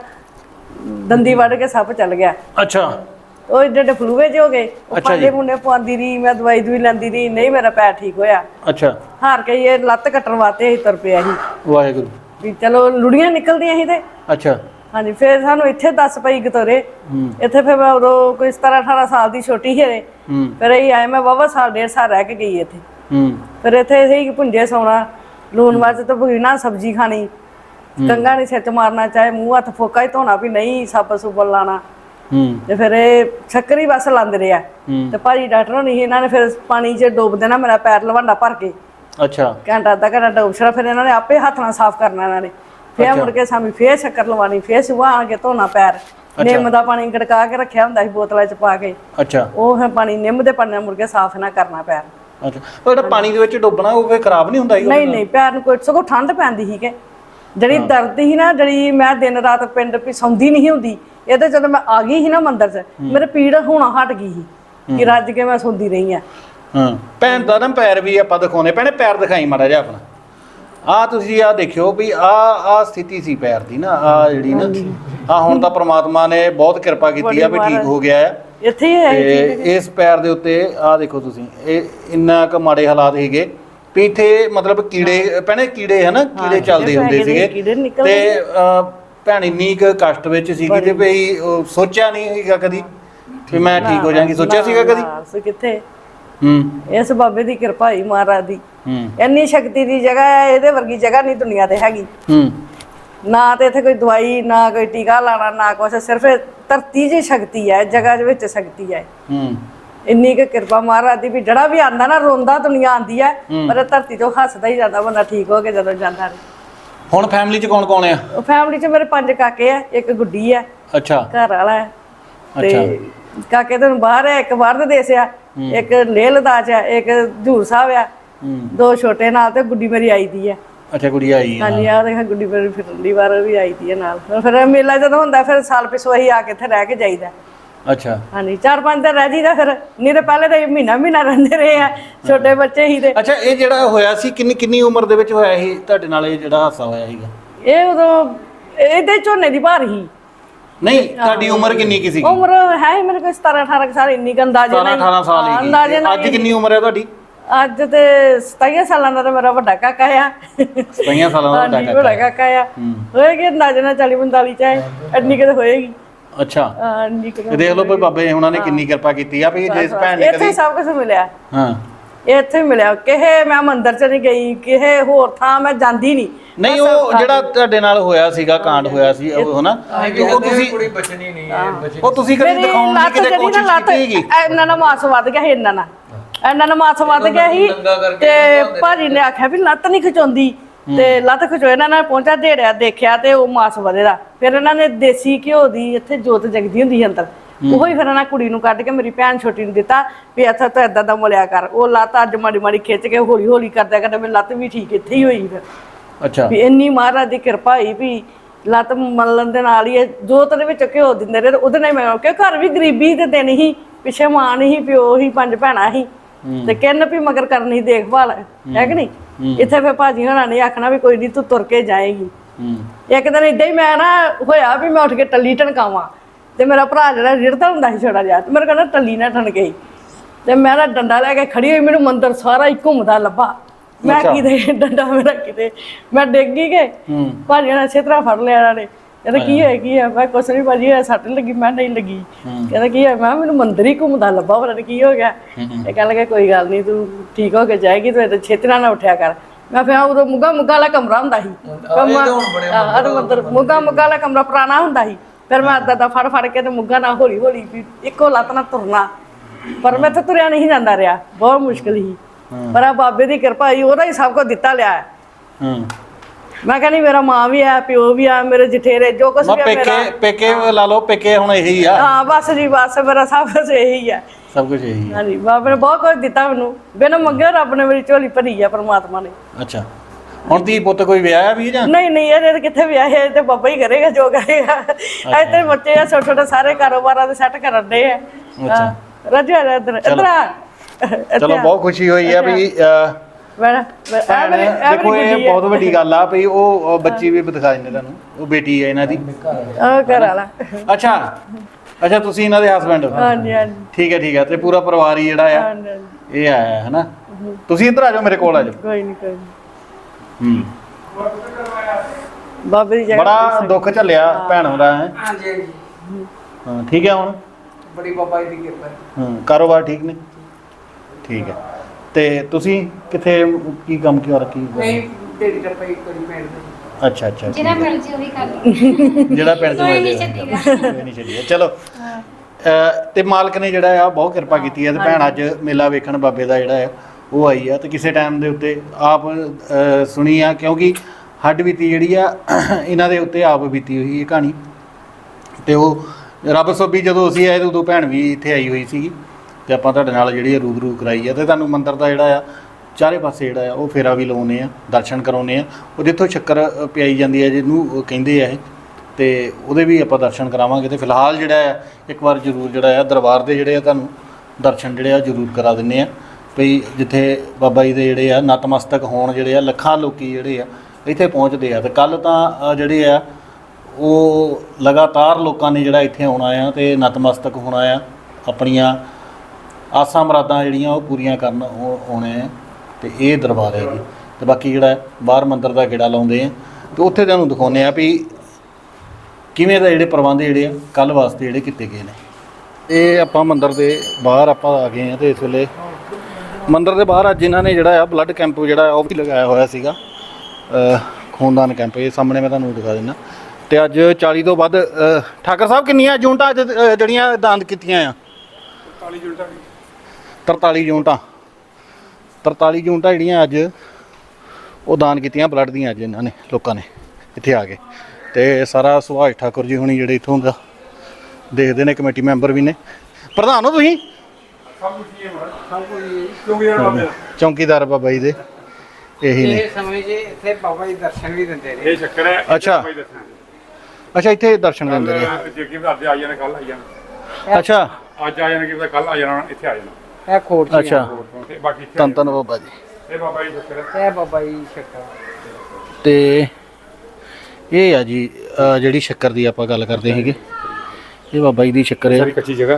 [SPEAKER 1] ਦੰਦੀ ਵੱਢ ਕੇ ਸੱਪ ਚੱਲ ਗਿਆ।
[SPEAKER 2] ਅੱਛਾ।
[SPEAKER 1] ਉਹ ਏਡੇ ਏਡੇ ਫਲੂਵੇ ਜਿਹੇ ਹੋ ਗਏ, ਉਹ
[SPEAKER 2] ਅੱਛਾ ਜੀ।
[SPEAKER 1] ਪਾਲੇ ਮੁੰਡੇ ਪਵਾਉਂਦੀ ਰਹੀ, ਮੈਂ ਦਵਾਈ ਦੂਈ ਲੈਂਦੀ ਰਹੀ, ਨਹੀਂ ਮੇਰਾ ਪੈਰ ਠੀਕ ਹੋਇਆ।
[SPEAKER 2] ਅੱਛਾ।
[SPEAKER 1] ਹਾਰ ਕੇ ਇਹ ਲੱਤ ਕੱਟਣ ਵਾਸਤੇ ਅਸੀਂ ਤੁਰ ਪਿਆ ਸੀ
[SPEAKER 2] ਵਾਹਿਗੁਰੂ।
[SPEAKER 1] ਵੀ ਚਲੋ ਲੁੜੀਆਂ ਨਿਕਲਦੀਆਂ ਸੀ ਤੇ।
[SPEAKER 2] ਅੱਛਾ।
[SPEAKER 1] ਹਾਂਜੀ, ਫਿਰ ਸਾਨੂੰ ਇੱਥੇ ਦੱਸ ਪਈ ਗਤੋਰੇ, ਇੱਥੇ ਫਿਰ ਮੈਂ ਉਦੋਂ ਕੋਈ ਸਤਾਰਾਂ ਅਠਾਰਾਂ ਸਾਲ ਦੀ ਛੋਟੀ ਸੀ ਹਰੇ।
[SPEAKER 2] ਹੂੰ
[SPEAKER 1] ਫਿਰ ਅਸੀਂ ਆਏ, ਮੈਂ ਵਾਹਵਾ ਸਾਲ ਡੇਢ ਸਾਲ ਰਹਿ ਕੇ ਗਈ ਇੱਥੇ।
[SPEAKER 2] ਹੂੰ
[SPEAKER 1] ਫਿਰ ਇੱਥੇ ਅਸੀਂ ਭੁੰਜੇ ਸੌਣਾ, ਲੂਣ ਮਿਰਚ ਤੇ ਬਗੀਨਾ ਸਬਜ਼ੀ ਖਾਣੀ, ਕੰਗਾ ਨਹੀਂ ਸਿਰ 'ਚ ਮਾਰਨਾ, ਚਾਹੇ ਮੂੰਹ ਹੱਥ ਫੋਕਾ ਹੀ ਧੋਣਾ ਵੀ ਨਹੀਂ, ਸੱਪ ਸੁੱਬਲ ਲਾਣਾ।
[SPEAKER 2] ਹੂੰ
[SPEAKER 1] ਤੇ ਫਿਰ ਇਹ ਸ਼ੱਕਰੀ ਬਸ ਲਾਉਂਦੇ ਰਿਹਾ।
[SPEAKER 2] ਹੂੰ।
[SPEAKER 1] ਤੇ ਭਾਜੀ ਡਾਕਟਰ ਹੋਣੀ ਸੀ, ਇਹਨਾਂ ਨੇ ਫਿਰ ਪਾਣੀ 'ਚ ਡੋਬ ਦੇਣਾ ਮੇਰਾ ਪੈਰ ਲਵਾਂਡਾ ਭਰ ਕੇ,
[SPEAKER 2] ਅੱਛਾ।
[SPEAKER 1] ਘੰਟਾ ਅੱਧਾ ਘੰਟਾ ਡੋਬ ਛੜਾ, ਫਿਰ ਇਹਨਾਂ ਨੇ ਆਪੇ ਹੱਥ ਨਾਲ ਸਾਫ਼ ਕਰਨਾ ਇਹਨਾਂ ਨੇ। ਫਿਰ ਮੁੜ ਕੇ ਸਾਮੀ ਫੇਰ ਸ਼ੱਕਰ ਲਵਾਣੀ, ਫੇਰ ਸੁਬਾਹ ਆ ਕੇ ਧੋਣਾ ਪੈਰ, ਨਿੰਮ ਦਾ ਪਾਣੀ ਗੜਕਾ ਕੇ ਰੱਖਿਆ ਹੁੰਦਾ ਸੀ ਬੋਤਲਾਂ 'ਚ ਪਾ ਕੇ,
[SPEAKER 2] ਅੱਛਾ
[SPEAKER 1] ਉਹ ਫਿਰ ਪਾਣੀ ਨਿੰਮ ਦੇ ਪਾਣੀ ਨਾਲ ਮੁੜ ਕੇ ਸਾਫ਼ ਨਾ ਕਰਨਾ ਪੈਰ।
[SPEAKER 2] ਅੱਛਾ ਉਹ ਜਿਹੜਾ ਪਾਣੀ ਦੇ ਵਿੱਚ ਡੁੱਬਣਾ ਉਹ ਫਿਰ ਖਰਾਬ ਨਹੀਂ ਹੁੰਦਾ ਜੀ?
[SPEAKER 1] ਨਹੀਂ ਨਹੀਂ, ਪੈਰ ਨੂੰ ਕੋਈ ਸਗੋਂ ਠੰਡ ਪੈਂਦੀ ਸੀ ਕਿ ਜਿਹੜੀ ਦਰਦ ਸੀ ਨਾ, ਜਿਹੜੀ ਮੈਂ ਦਿਨ ਰਾਤ ਪਿੰਡ ਵੀ ਸੌਂਦੀ ਨਹੀਂ ਹੁੰਦੀ, ਇਹਦੇ ਜਦੋਂ ਮੈਂ ਆ ਗਈ ਸੀ ਨਾ ਮੰਦਿਰ 'ਚ, ਮੇਰੇ ਪੀੜ ਹੋਣਾ ਹਟ ਗਈ ਸੀ ਕਿ ਰੱਜ ਕੇ ਮੈਂ ਸੌਂਦੀ ਰਹੀ ਆ।
[SPEAKER 2] ਹਾਂ ਭੈਣ ਦਾ ਨਾ ਪੈਰ ਵੀ ਆਪਾਂ ਦਿਖਾਉਣੇ ਪੈਣੇ, ਪੈਰ ਦਿਖਾਈ ਮਾੜਾ ਜਿਹਾ ਆਪਣਾ। ਆ ਤੁਸੀਂ ਆ ਦੇਖਿਓ ਵੀ ਆ ਆ ਸਥਿਤੀ ਸੀ ਪੈਰ ਦੀ ਨਾ, ਆ ਜਿਹੜੀ ਨਾ ਆ ਹੁਣ ਤਾਂ ਪ੍ਰਮਾਤਮਾ ਨੇ ਬਹੁਤ ਕਿਰਪਾ ਕੀਤੀ ਆ ਵੀ ਠੀਕ ਹੋ ਗਿਆ ਆ।
[SPEAKER 1] ਇੱਥੇ ਹੀ ਹੈ
[SPEAKER 2] ਤੇ ਇਸ ਪੈਰ ਦੇ ਉੱਤੇ ਆ ਦੇਖੋ ਤੁਸੀਂ, ਇਹ ਇੰਨਾ ਕੁ ਮਾੜੇ ਹਾਲਾਤ ਸੀਗੇ ਵੀ ਇੱਥੇ ਮਤਲਬ ਕੀੜੇ ਪੈਣੇ, ਕੀੜੇ ਹਨਾ, ਕੀੜੇ ਚੱਲਦੇ ਹੁੰਦੇ ਸੀਗੇ ਤੇ ਅਹ, ਭੈਣ ਇੰਨੀ ਕੁ ਕਸ਼ਟ ਵਿੱਚ ਸੀਗੀ ਤੇ ਭਈ ਉਹ ਸੋਚਿਆ ਨਹੀਂ ਸੀਗਾ ਕਦੀ ਵੀ ਮੈਂ ਠੀਕ ਹੋ ਜਾਵਾਂਗੀ, ਸੋਚਿਆ ਸੀਗਾ ਕਦੀ?
[SPEAKER 1] ਨਾ ਕਿੱਥੇ।
[SPEAKER 2] ਹੂੰ
[SPEAKER 1] ਇਸ ਬਾਬੇ ਦੀ ਕਿਰਪਾ ਹੀ ਮਹਾਰਾਜ ਦੀ,
[SPEAKER 2] ਹੂੰ
[SPEAKER 1] ਇੰਨੀ ਸ਼ਕਤੀ ਦੀ ਜਗ੍ਹਾ ਹੈ, ਇਹਦੇ ਵਰਗੀ ਜਗ੍ਹਾ ਨਹੀਂ ਦੁਨੀਆ ਤੇ ਹੈਗੀ।
[SPEAKER 2] ਹੂੰ
[SPEAKER 1] ਨਾ ਤੇ ਇੱਥੇ ਕੋਈ ਦਵਾਈ, ਨਾ ਕੋਈ ਟੀਕਾ ਲਾਣਾ, ਨਾ ਕੁਛ, ਸਿਰਫ ਧਰਤੀ 'ਚ ਸ਼ਕਤੀ ਹੈ, ਜਗ੍ਹਾ ਦੇ ਵਿੱਚ ਸ਼ਕਤੀ ਹੈ।
[SPEAKER 2] ਹੂੰ
[SPEAKER 1] ਇੰਨੀ ਕੁ ਕਿਰਪਾ ਮਹਾਰਾਜ ਦੀ ਵੀ ਜਿਹੜਾ ਵੀ ਆਂਦਾ ਨਾ ਰੋਂਦਾ ਦੁਨੀਆ ਆਂਦੀ ਹੈ, ਪਰ ਧਰਤੀ ਤੋਂ ਹੱਸਦਾ ਹੀ ਜਾਂਦਾ ਬੰਦਾ ਠੀਕ ਹੋ ਕੇ ਜਦੋਂ ਜਾਂਦਾ।
[SPEAKER 2] ਹੁਣ ਫੈਮਿਲੀ ਚ ਕੌਣ ਕੌਣ ਆ?
[SPEAKER 1] ਫੈਮਿਲੀ 'ਚ ਮੇਰੇ ਪੰਜ ਕਾਕੇ ਆ, ਇੱਕ ਗੁੱਡੀ ਆ,
[SPEAKER 2] ਅੱਛਾ
[SPEAKER 1] ਘਰ ਵਾਲਾ ਹੈ ਤੇ ਕਾਕੇ ਤਾਂ ਬਾਹਰ ਹੈ, ਇੱਕ ਬਾਹਰ ਦੇ ਦੇਸ਼ ਆ, ਇੱਕ ਲੇਹ ਲਦਾਖ ਆ, ਇੱਕ ਹਜ਼ੂਰ ਸਾਹਿਬ ਆ, ਦੋ ਛੋਟੇ ਨਾਲ ਤੇ ਗੁੱਡੀ ਮੇਰੀ ਆਈ ਦੀ ਆ।
[SPEAKER 2] ਅੱਛਾ ਕੁੜੀ ਆਈ ਆ?
[SPEAKER 1] ਹਾਂਜੀ ਆ ਦੇਖ ਗੁੱਡੀ ਮੇਰੀ ਫਿਰਦੀ ਵਾਰ ਵੀ ਆਈ ਦੀ ਆ ਨਾਲ। ਫਿਰ ਮੇਲਾ ਜਦੋਂ ਹੁੰਦਾ ਫਿਰ ਸਾਲ ਪਿਛੋਂ ਅਸੀਂ ਆ ਕੇ ਇੱਥੇ ਰਹਿ ਕੇ ਜਾਈਦਾ।
[SPEAKER 2] ਅੱਛਾ
[SPEAKER 1] ਹਾਂਜੀ ਚਾਰ ਪੰਜ ਦਿਨ ਰਹਿ ਜੀਦਾ, ਫਿਰ ਨਹੀਂ ਤੇ ਪਹਿਲੇ ਤਾਂ ਮਹੀਨਾ ਮਹੀਨਾ ਰਹਿੰਦੇ ਰਹੇ ਆ, ਛੋਟੇ ਬੱਚੇ ਹੀ ਤੇ।
[SPEAKER 2] ਅੱਛਾ ਇਹ ਜਿਹੜਾ ਹੋਇਆ ਸੀ ਕਿੰਨੀ ਕਿੰਨੀ ਉਮਰ ਦੇ ਵਿੱਚ ਹੋਇਆ ਸੀ ਤੁਹਾਡੇ ਨਾਲ ਇਹ ਜਿਹੜਾ ਹਾਦਸਾ ਹੋਇਆ ਸੀਗਾ?
[SPEAKER 1] ਇਹ ਉਦੋਂ ਇਹਦੇ ਝੋਨੇ ਦੀ ਭਾਰ ਹੀ।
[SPEAKER 2] ਨਹੀਂ ਤੁਹਾਡੀ ਉਮਰ ਕਿੰਨੀ ਕੀ ਸੀ?
[SPEAKER 1] ਉਮਰ ਹੈ ਮੇਰੇ ਕੋਲ ਸਤਾਰਾਂ ਅਠਾਰਾਂ ਸਾਲ, ਇੰਨੀ ਕੁ ਅੰਦਾਜ਼ੇ
[SPEAKER 2] ਸਤਾਰਾਂ ਅਠਾਰਾਂ ਸਾਲ ਹੀ
[SPEAKER 1] ਅੰਦਾਜ਼ੇ
[SPEAKER 2] ਸੀ।
[SPEAKER 1] ਨਾਲ।
[SPEAKER 2] ਅੱਜ ਕਿੰਨੀ ਉਮਰ ਹੈ ਤੁਹਾਡੀ?
[SPEAKER 1] ਅੱਜ ਤੇ ਸਤਾਈ ਸਾਲਾਂ ਦਾ ਤੇ ਮੇਰਾ ਵੱਡਾ ਕਾਕਾ ਆ।
[SPEAKER 2] ਸਤਾਈ ਸਾਲਾਂ ਦਾ
[SPEAKER 1] ਹਾਂਜੀ ਵੱਡਾ ਕਾਕਾ ਆ, ਹੋਏਗੀ ਅੰਦਾਜ਼ੇ ਨਾਲ ਚਾਲੀ ਪੰਤਾਲੀ ਚ ਇੰਨੀ ਕਿਤੇ ਹੋਏਗੀ।
[SPEAKER 2] ਅੱਛਾ
[SPEAKER 1] ਹਾਂਜੀ
[SPEAKER 2] ਇਹ ਦੇਖ ਲਓ ਭਾਈ ਬਾਬੇ ਹੁਣਾਂ ਨੇ ਕਿੰਨੀ ਕਿਰਪਾ ਕੀਤੀ ਆ ਵੀ ਜਿਸ ਭੈਣ ਨੇ
[SPEAKER 1] ਇੱਥੇ
[SPEAKER 2] ਕਦੀ
[SPEAKER 1] ਸਭ ਕੁਝ ਮਿਲਿਆ।
[SPEAKER 2] ਹਾਂ
[SPEAKER 1] ਇੱਥੇ ਮਿਲਿਆ, ਕਿਹੇ ਮੈਂ ਮੰਦਿਰ ਚ ਨਹੀਂ ਗਈ, ਕਿਹੇ ਹੋਰ ਥਾਂ ਮੈਂ ਜਾਂਦੀ ਨਹੀਂ।
[SPEAKER 2] ਨਹੀਂ ਉਹ ਜਿਹੜਾ ਤੁਹਾਡੇ ਨਾਲ ਹੋਇਆ ਸੀਗਾ, ਕਾਂਡ ਹੋਇਆ ਸੀ ਉਹ ਹਨਾ, ਉਹ ਤੁਸੀਂ
[SPEAKER 3] ਕੁੜੀ ਬਚਣੀ ਨਹੀਂ ਹੈ, ਬਚਣੀ।
[SPEAKER 2] ਉਹ ਤੁਸੀਂ ਕਦੀ ਦਿਖਾਉਣ ਦੀ ਕਿਤੇ ਕੋਸ਼ਿਸ਼ ਕੀਤੀ ਹੈਗੀ?
[SPEAKER 1] ਇਹਨਾਂ ਨਾਲ ਮਾਸ ਵੱਧ ਗਿਆ ਸੀ, ਇਹਨਾਂ ਨਾਲ ਇਹਨਾਂ ਨਾਲ ਮਾਸ ਵੱਧ ਗਿਆ ਸੀ ਤੇ ਭਾਜੀ ਨੇ ਆਖਿਆ ਵੀ ਲੱਤ ਨਹੀਂ ਖਿਚਾਉਂਦੀ, ਤੇ ਲੱਤ ਖਿਚੋ ਇਹਨਾਂ ਨਾਲ ਪਹੁੰਚਾ ਢੇੜਿਆ, ਦੇਖਿਆ ਤੇ ਉਹ ਮਾਸ ਵਧੇਦਾ। ਫਿਰ ਇਹਨਾਂ ਨੇ ਦੇਸੀ ਘਿਓ ਦੀ ਇੱਥੇ ਜੋਤ ਜਗਦੀ ਹੁੰਦੀ ਅੰਦਰ, ਉਹ ਹੀ ਫਿਰ ਇਹਨਾਂ ਕੁੜੀ ਨੂੰ ਕੱਢ ਕੇ ਮੇਰੀ ਭੈਣ ਛੋਟੀ ਨੂੰ ਦਿੱਤਾ ਵੀ ਇੱਥੇ ਤਾਂ ਏਦਾਂ ਦਾ ਮਲਿਆ ਕਰ। ਉਹ ਲੱਤ ਅੱਜ ਮਾੜੀ ਮਾੜੀ ਖਿੱਚ ਕੇ ਹੌਲੀ ਹੌਲੀ ਕਰਦਾ ਕਰਦਾ ਮੇਰੀ ਲੱਤ ਵੀ ਠੀਕ ਇੱਥੇ ਹੀ ਹੋਈ। ਫਿਰ
[SPEAKER 2] ਅੱਛਾ
[SPEAKER 1] ਵੀ ਇੰਨੀ ਮਹਾਰਾਜ ਦੀ ਕਿਰਪਾ ਹੋਈ ਵੀ ਲੱਤ ਮਲਣ ਦੇ ਨਾਲ ਹੀ ਜੋਤ ਦੇ ਵਿੱਚ ਘਿਓ ਦਿੰਦੇ ਰਹੇ, ਉਹਦੇ ਨਾਲ ਮੈਂ ਕਿ ਘਰ ਵੀ ਗਰੀਬੀ ਦੇ ਦਿਨ ਹੀ, ਪਿੱਛੇ ਮਾਂ ਨਹੀਂ ਸੀ, ਪਿਓ ਹੀ, ਪੰਜ ਭੈਣਾਂ ਸੀ ਤੇ ਕਿੰਨ ਵੀ ਮਗਰ ਕਰਨੀ ਦੇਖਭਾਲ ਹੈ ਕਿ ਨਹੀਂ। ਇੱਥੇ ਫਿਰ ਭਾਜੀ ਹੋਣਾ ਨੇ ਆਖਣਾ ਵੀ ਕੋਈ ਨਹੀਂ ਤੂੰ ਤੁਰ ਕੇ ਜਾਏਗੀ। ਇੱਕ ਦਿਨ ਏਦਾਂ ਹੀ ਮੈਂ ਨਾ ਹੋਇਆ ਵੀ ਮੈਂ ਉੱਠ ਕੇ ਟੱਲੀ ਟਣਕਾਵਾਂ, ਤੇ ਮੇਰਾ ਭਰਾ ਜਿਹੜਾ ਰਿੜਦਾ ਹੁੰਦਾ ਸੀ ਛੋਟਾ ਜਿਹਾ, ਤੇ ਮੇਰੇ ਕਹਿੰਦਾ ਟੱਲੀ ਨਾ ਠਣ ਗਈ, ਤੇ ਮੈਂ ਨਾ ਡੰਡਾ ਲੈ ਕੇ ਖੜੀ ਹੋਈ, ਮੈਨੂੰ ਮੰਦਿਰ ਸਾਰਾ ਹੀ ਘੁੰਮਦਾ ਲੱਭਾ। ਮੈਂ ਕਿਤੇ ਡੰਡਾ ਮੇਰਾ ਕਿਤੇ ਮੈਂ ਡਿੱਗ ਗਈ ਕਿ ਭਾਜੀ ਨੇ ਛੇਤਰਾ ਫੜ ਲਿਆ ਇਹਨਾਂ ਨੇ। ਕਹਿੰਦਾ ਕੀ ਹੋਇਆ ਕੀ ਹੈ? ਮੈਂ ਕੁਛ ਨਹੀਂ ਭਾਜੀ ਹੋਇਆ, ਸੱਟ ਲੱਗੀ। ਮੈਂ ਨਹੀਂ ਲੱਗੀ। ਕਹਿੰਦਾ ਕੀ ਹੋਇਆ? ਮੈਂ ਮੈਨੂੰ ਮੰਦਿਰ ਹੀ ਘੁੰਮਦਾ ਲੱਭਾ, ਪਤਾ ਨਹੀਂ ਕੀ ਹੋ ਗਿਆ। ਇਹ ਕਹਿਣ ਲੱਗਾ ਕੋਈ ਗੱਲ ਨਹੀਂ ਤੂੰ ਠੀਕ ਹੋ ਕੇ ਜਾਏਗੀ, ਤੂੰ ਛੇਤਰਾ ਨਾ ਉੱਠਿਆ ਕਰ। ਮੈਂ ਫਿਰ ਉਦੋਂ ਮੁੱਗਾ ਮੁੱਗਾ ਵਾਲਾ ਕਮਰਾ ਹੁੰਦਾ ਸੀ, ਮੰਦਿਰ ਮੁੱਗਾ ਮੁੱਗਾ ਵਾਲਾ ਕਮਰਾ ਪੁਰਾਣਾ ਹੁੰਦਾ ਸੀ। ਫਿਰ ਮੈਂ ਅੱਧਾ ਅੱਧਾ ਫੜ ਫੜ ਕੇ ਤੇ ਮੁੱਗਾ ਨਾਲ ਹੌਲੀ ਹੌਲੀ ਵੀ ਇੱਕੋ ਲੱਤ ਨਾਲ ਤੁਰਨਾ, ਪਰ ਮੈਂ ਤਾਂ ਤੁਰਿਆ ਨਹੀਂ ਜਾਂਦਾ ਰਿਹਾ, ਬਹੁਤ ਮੁਸ਼ਕਿਲ ਸੀ। ਪਰ ਆ ਬਾਬੇ ਦੀ ਕਿਰਪਾ ਹੋਈ, ਉਹਦਾ ਹੀ ਸਭ ਕੁਝ ਦਿੱਤਾ ਲਿਆ ਹੈ। ਮੈਂ ਕਹਿੰਦੀ ਮੇਰਾ ਮਾਂ ਵੀ ਆ, ਪਿਓ ਵੀ ਆ, ਮੇਰੇ ਜਠੇਰੇ ਜੋ ਕੁਛ ਵੀ ਆ ਮੇਰਾ।
[SPEAKER 2] ਪੇਕੇ ਪੇਕੇ ਲਾ ਲਓ, ਪੇਕੇ ਹੁਣ ਇਹੀ ਆ।
[SPEAKER 1] ਹਾਂ ਬਸ ਜੀ ਬਸ, ਮੇਰਾ ਸਭ ਕੁਝ ਇਹੀ ਆ,
[SPEAKER 2] ਸਭ ਕੁਝ ਇਹੀ ਆ।
[SPEAKER 1] ਹਾਂਜੀ ਬਾਬੇ ਨੇ ਬਹੁਤ ਕੁਝ ਦਿੱਤਾ ਮੈਨੂੰ, ਬਿਨਾਂ ਮੰਗੇ ਰੱਬ ਨੇ ਮੇਰੀ ਝੋਲੀ ਭਰੀ ਆ, ਪਰਮਾਤਮਾ ਨੇ।
[SPEAKER 2] ਅੱਛਾ ਹੁਣ ਧੀ ਪੁੱਤ ਕੋਈ ਵਿਆਹਿਆ ਵੀ ਜਾਂ
[SPEAKER 1] ਨਹੀਂ ਨਹੀਂ ਇਹਦੇ ਕਿੱਥੇ ਵਿਆਹ, ਤੇ ਬਾਬਾ ਹੀ ਕਰੇਗਾ ਜੋ ਕਰੇਗਾ। ਇੱਥੇ ਬੱਚੇ ਆ ਛੋਟੇ ਛੋਟੇ, ਸਾਰੇ ਕਾਰੋਬਾਰਾਂ ਦੇ ਸੈੱਟ ਕਰਨ ਦੇ ਆ।
[SPEAKER 2] ਅੱਛਾ
[SPEAKER 1] ਰਾਜੂ ਆ ਇੱਧਰ ਇੱਧਰ ਆ।
[SPEAKER 2] ਚਲੋ ਬਹੁਤ ਖੁਸ਼ੀ ਹੋਈ ਆ ਵੀ
[SPEAKER 1] ਭੈਣ
[SPEAKER 2] ਦੇਖੋ ਇਹ ਬਹੁਤ ਵੱਡੀ ਗੱਲ ਆ ਵੀ ਉਹ ਬੱਚੀ ਵੀ ਦਿਖਾ ਦਿੰਦੇ ਤੁਹਾਨੂੰ, ਉਹ ਬੇਟੀ ਹੈ ਇਹਨਾਂ ਦੀ।
[SPEAKER 1] ਉਹ ਘਰ ਵਾਲਾ।
[SPEAKER 2] ਅੱਛਾ ਅੱਛਾ ਤੁਸੀਂ ਇਹਨਾਂ ਦੇ ਹਸਬੈਂਡ?
[SPEAKER 1] ਹਾਂਜੀ ਹਾਂਜੀ
[SPEAKER 2] ਠੀਕ ਹੈ ਠੀਕ ਹੈ। ਤੇ ਪੂਰਾ ਪਰਿਵਾਰ ਹੀ ਜਿਹੜਾ ਆ ਇਹ ਆਇਆ ਹੈ ਨਾ। ਤੁਸੀਂ ਇੱਧਰ ਆ ਜਾਓ, ਮੇਰੇ ਕੋਲ ਆ ਜਾਓ।
[SPEAKER 1] ਕੋਈ ਨਹੀਂ ਕੋਈ
[SPEAKER 2] ਹੂੰ
[SPEAKER 1] ਬਾਬੇ ਦੀ ਜਗ੍ਹਾ
[SPEAKER 2] ਬੜਾ ਦੁੱਖ ਝੱਲਿਆ ਭੈਣ ਹੁੰਦਾ ਹੈ।
[SPEAKER 3] ਹਾਂਜੀ ਹਾਂਜੀ
[SPEAKER 2] ਹਾਂ ਠੀਕ ਹੈ। ਹੁਣ
[SPEAKER 3] ਬੜੀ ਬਾਬਾ ਜੀ ਦੀ ਕਿਰਪਾ ਹੈ।
[SPEAKER 2] ਹਾਂ ਕਾਰੋਬਾਰ ਠੀਕ ਨੇ? ਠੀਕ ਹੈ। ਤੇ ਤੁਸੀਂ ਕਿੱਥੇ ਕੀ ਕੰਮ ਕੀ ਰੱਖੀ?
[SPEAKER 3] ਨਹੀਂ ਢੇੜੀ ਟੱਪਾ ਹੀ ਕਰੀ ਭੈਣ ਦੇ।
[SPEAKER 2] ਅੱਛਾ ਅੱਛਾ
[SPEAKER 5] ਜਿਹੜਾ ਮਿਲ ਜੇ ਉਹੀ ਕਰ ਲਓ,
[SPEAKER 2] ਜਿਹੜਾ ਪਿੰਡ ਚ
[SPEAKER 5] ਕੋਈ
[SPEAKER 2] ਮਿਲ
[SPEAKER 5] ਨਹੀਂ
[SPEAKER 2] ਜਾਏ
[SPEAKER 5] ਛੱਡੀਦਾ।
[SPEAKER 2] ਕੋਈ ਨਹੀਂ ਛੱਡੀਦਾ। ਚਲੋ ਅਹ ਤੇ ਮਾਲਕ ਨੇ ਜਿਹੜਾ ਆ ਬਹੁਤ ਕਿਰਪਾ ਕੀਤੀ ਹੈ ਤੇ ਭੈਣ ਅੱਜ ਮੇਲਾ ਵੇਖਣ ਬਾਬੇ ਦਾ ਜਿਹੜਾ ਆ ਉਹ ਆਈ ਆ। ਤੇ ਕਿਸੇ ਟਾਈਮ ਦੇ ਉੱਤੇ ਆਪ ਅਹ ਸੁਣੀ ਆ, ਕਿਉਂਕਿ ਹੱਡ ਬੀਤੀ ਜਿਹੜੀ ਆ ਇਹਨਾਂ ਦੇ ਉੱਤੇ ਆਪ ਬੀਤੀ ਹੋਈ ਇਹ ਕਹਾਣੀ। ਤੇ ਉਹ ਰੱਬ ਸੋਭੀ ਜਦੋਂ ਅਸੀਂ ਆਏ ਤਾਂ ਉਦੋਂ ਭੈਣ ਵੀ ਇੱਥੇ ਆਈ ਹੋਈ ਸੀਗੀ ਤੇ ਆਪਾਂ ਤੁਹਾਡੇ ਨਾਲ ਜਿਹੜੀ ਆ ਰੂਬਰੂ ਕਰਾਈ ਆ ਤੇ ਤੁਹਾਨੂੰ ਮੰਦਿਰ ਦਾ ਜਿਹੜਾ ਆ ਚਾਰੇ ਪਾਸੇ ਜਿਹੜਾ ਆ ਉਹ ਫੇਰਾ ਵੀ ਲਾਉਨੇ ਆ, ਦਰਸ਼ਨ ਕਰਾਉਨੇ ਆ। ਉਹ ਜਿੱਥੋਂ ਸ਼ੱਕਰ ਪਿਆਈ ਜਾਂਦੀ ਹੈ ਜਿਹਨੂੰ ਉਹ ਕਹਿੰਦੇ ਆ ਇਹ, ਤੇ ਉਹਦੇ ਵੀ ਆਪਾਂ ਦਰਸ਼ਨ ਕਰਾਵਾਂਗੇ। ਤੇ ਫਿਲਹਾਲ ਜਿਹੜਾ ਆ ਇੱਕ ਵਾਰ ਜ਼ਰੂਰ ਜਿਹੜਾ ਆ ਦਰਬਾਰ ਦੇ ਜਿਹੜੇ ਆ ਤੁਹਾਨੂੰ ਦਰਸ਼ਨ ਜਿਹੜੇ ਆ ਜ਼ਰੂਰ ਕਰਾ ਦਿੰਨੇ ਆ ਵੀ ਜਿੱਥੇ ਬਾਬਾ ਜੀ ਦੇ ਜਿਹੜੇ ਆ ਨਤਮਸਤਕ ਹੋਣ ਜਿਹੜੇ ਆ ਲੱਖਾਂ ਲੋਕੀ ਜਿਹੜੇ ਆ ਇੱਥੇ ਪਹੁੰਚਦੇ ਆ। ਤੇ ਕੱਲ ਤਾਂ ਜਿਹੜੇ ਆ ਉਹ ਲਗਾਤਾਰ ਲੋਕਾਂ ਨੇ ਜਿਹੜਾ ਇੱਥੇ ਆਉਣਾ ਆ ਤੇ ਨਤਮਸਤਕ ਹੋਣਾ ਆ, ਆਪਣੀਆਂ ਆਸਾਂ ਮੁਰਾਦਾਂ ਜਿਹੜੀਆਂ ਉਹ ਪੂਰੀਆਂ ਕਰਨ ਉਹ ਆਉਣੇ ਆ। ਤੇ ਇਹ ਦਰਬਾਰ ਹੈ ਜੀ। ਤੇ ਬਾਕੀ ਜਿਹੜਾ ਬਾਹਰ ਮੰਦਿਰ ਦਾ ਗੇੜਾ ਲਾਉਂਦੇ ਆ ਤੇ ਉੱਥੇ ਤੁਹਾਨੂੰ ਦਿਖਾਉਂਦੇ ਆ ਵੀ ਕਿਵੇਂ ਦਾ ਜਿਹੜੇ ਪ੍ਰਬੰਧ ਜਿਹੜੇ ਆ ਕੱਲ੍ਹ ਵਾਸਤੇ ਜਿਹੜੇ ਕੀਤੇ ਗਏ ਨੇ। ਇਹ ਆਪਾਂ ਮੰਦਿਰ ਦੇ ਬਾਹਰ ਆਪਾਂ ਆ ਗਏ ਆ ਤੇ ਇਸ ਵੇਲੇ ਮੰਦਿਰ ਦੇ ਬਾਹਰ ਅੱਜ ਇਹਨਾਂ ਨੇ ਜਿਹੜਾ ਆ ਬਲੱਡ ਕੈਂਪ ਜਿਹੜਾ ਉਹ ਵੀ ਲਗਾਇਆ ਹੋਇਆ ਸੀਗਾ, ਖੂਨਦਾਨ ਕੈਂਪ। ਇਹ ਸਾਹਮਣੇ ਮੈਂ ਤੁਹਾਨੂੰ ਦਿਖਾ ਦਿੰਦਾ। ਤੇ ਅੱਜ ਚਾਲੀ ਤੋਂ ਵੱਧ ਠਾਕਰ ਸਾਹਿਬ ਕਿੰਨੀਆਂ ਯੂਨਿਟਾਂ ਅੱਜ ਜਿਹੜੀਆਂ ਦਾਨ ਕੀਤੀਆਂ ਆ?
[SPEAKER 4] ਤਰਤਾਲੀ ਯੂਨਿਟਾਂ
[SPEAKER 2] ਤਰਤਾਲੀ ਯੂਨਿਟਾਂ ਤਰਤਾਲੀ ਯੂਨਿਟਾਂ ਜਿਹੜੀਆਂ ਅੱਜ ਉਹ ਦਾਨ ਕੀਤੀਆਂ ਬਲੱਡ ਦੀਆਂ ਅੱਜ ਇਹਨਾਂ ਨੇ ਲੋਕਾਂ ਨੇ ਇੱਥੇ ਆ ਕੇ। ਤੇ ਸਾਰਾ ਸੁਭਾਸ਼ ਠਾਕੁਰ ਜੀ ਹੁਣੀ ਜਿਹੜੇ ਇੱਥੋਂ ਦਾ ਦੇਖਦੇ ਨੇ, ਕਮੇਟੀ ਮੈਂਬਰ ਵੀ ਨੇ। ਪ੍ਰਧਾਨ ਹੋ ਤੁਸੀਂ?
[SPEAKER 4] ਸਭ ਕੁਝ ਹੀ ਹੈ ਮਹਾਰਾਜ, ਸਭ ਕੁਝ ਹੀ ਚੌਂਕੀਦਾਰ ਬਾਬੇ ਦਾ।
[SPEAKER 2] ਚੌਂਕੀਦਾਰ ਬਾਬਾ ਜੀ ਦੇ ਇਹੀ ਨੇ।
[SPEAKER 6] ਇਹ ਸਮੇਂ 'ਚ ਇੱਥੇ ਬਾਬਾ ਜੀ ਦਰਸ਼ਨ ਵੀ ਦਿੰਦੇ ਨੇ।
[SPEAKER 4] ਇਹ ਚੱਕਰ ਹੈ।
[SPEAKER 2] ਅੱਛਾ ਅੱਛਾ, ਇੱਥੇ ਦਰਸ਼ਨ ਦਿੰਦੇ ਨੇ।
[SPEAKER 4] ਜੇ ਕੀ ਅੱਜ ਆ ਜਾਣਾ ਕੱਲ ਆ ਜਾਣਾ।
[SPEAKER 2] ਅੱਛਾ,
[SPEAKER 4] ਅੱਜ ਆ ਜਾਣਾ ਕਿ ਕੱਲ ਆ ਜਾਣਾ, ਇੱਥੇ ਆ ਜਾਣਾ।
[SPEAKER 6] ਇਹ ਕੋਟ ਜੀ
[SPEAKER 2] ਅੱਛਾ,
[SPEAKER 4] ਤੇ ਬਾਕੀ ਇੱਥੇ
[SPEAKER 2] ਧੰਨ ਧੰਨ ਬਾਬਾ ਜੀ।
[SPEAKER 4] ਇਹ ਬਾਬਾ ਜੀ ਚੱਕਰ ਹੈ।
[SPEAKER 6] ਇਹ ਬਾਬਾ ਜੀ ਸ਼ੱਕਰ।
[SPEAKER 2] ਤੇ ਇਹ ਆ ਜੀ ਅ, ਜਿਹੜੀ ਸ਼ੱਕਰ ਦੀ ਆਪਾਂ ਗੱਲ ਕਰਦੇ ਸੀਗੇ, ਇਹ ਬਾਬਾ ਜੀ ਦੀ ਸ਼ੱਕਰ ਹੈ
[SPEAKER 4] ਸਾਰੀ ਕੱਚੀ ਜਗ੍ਹਾ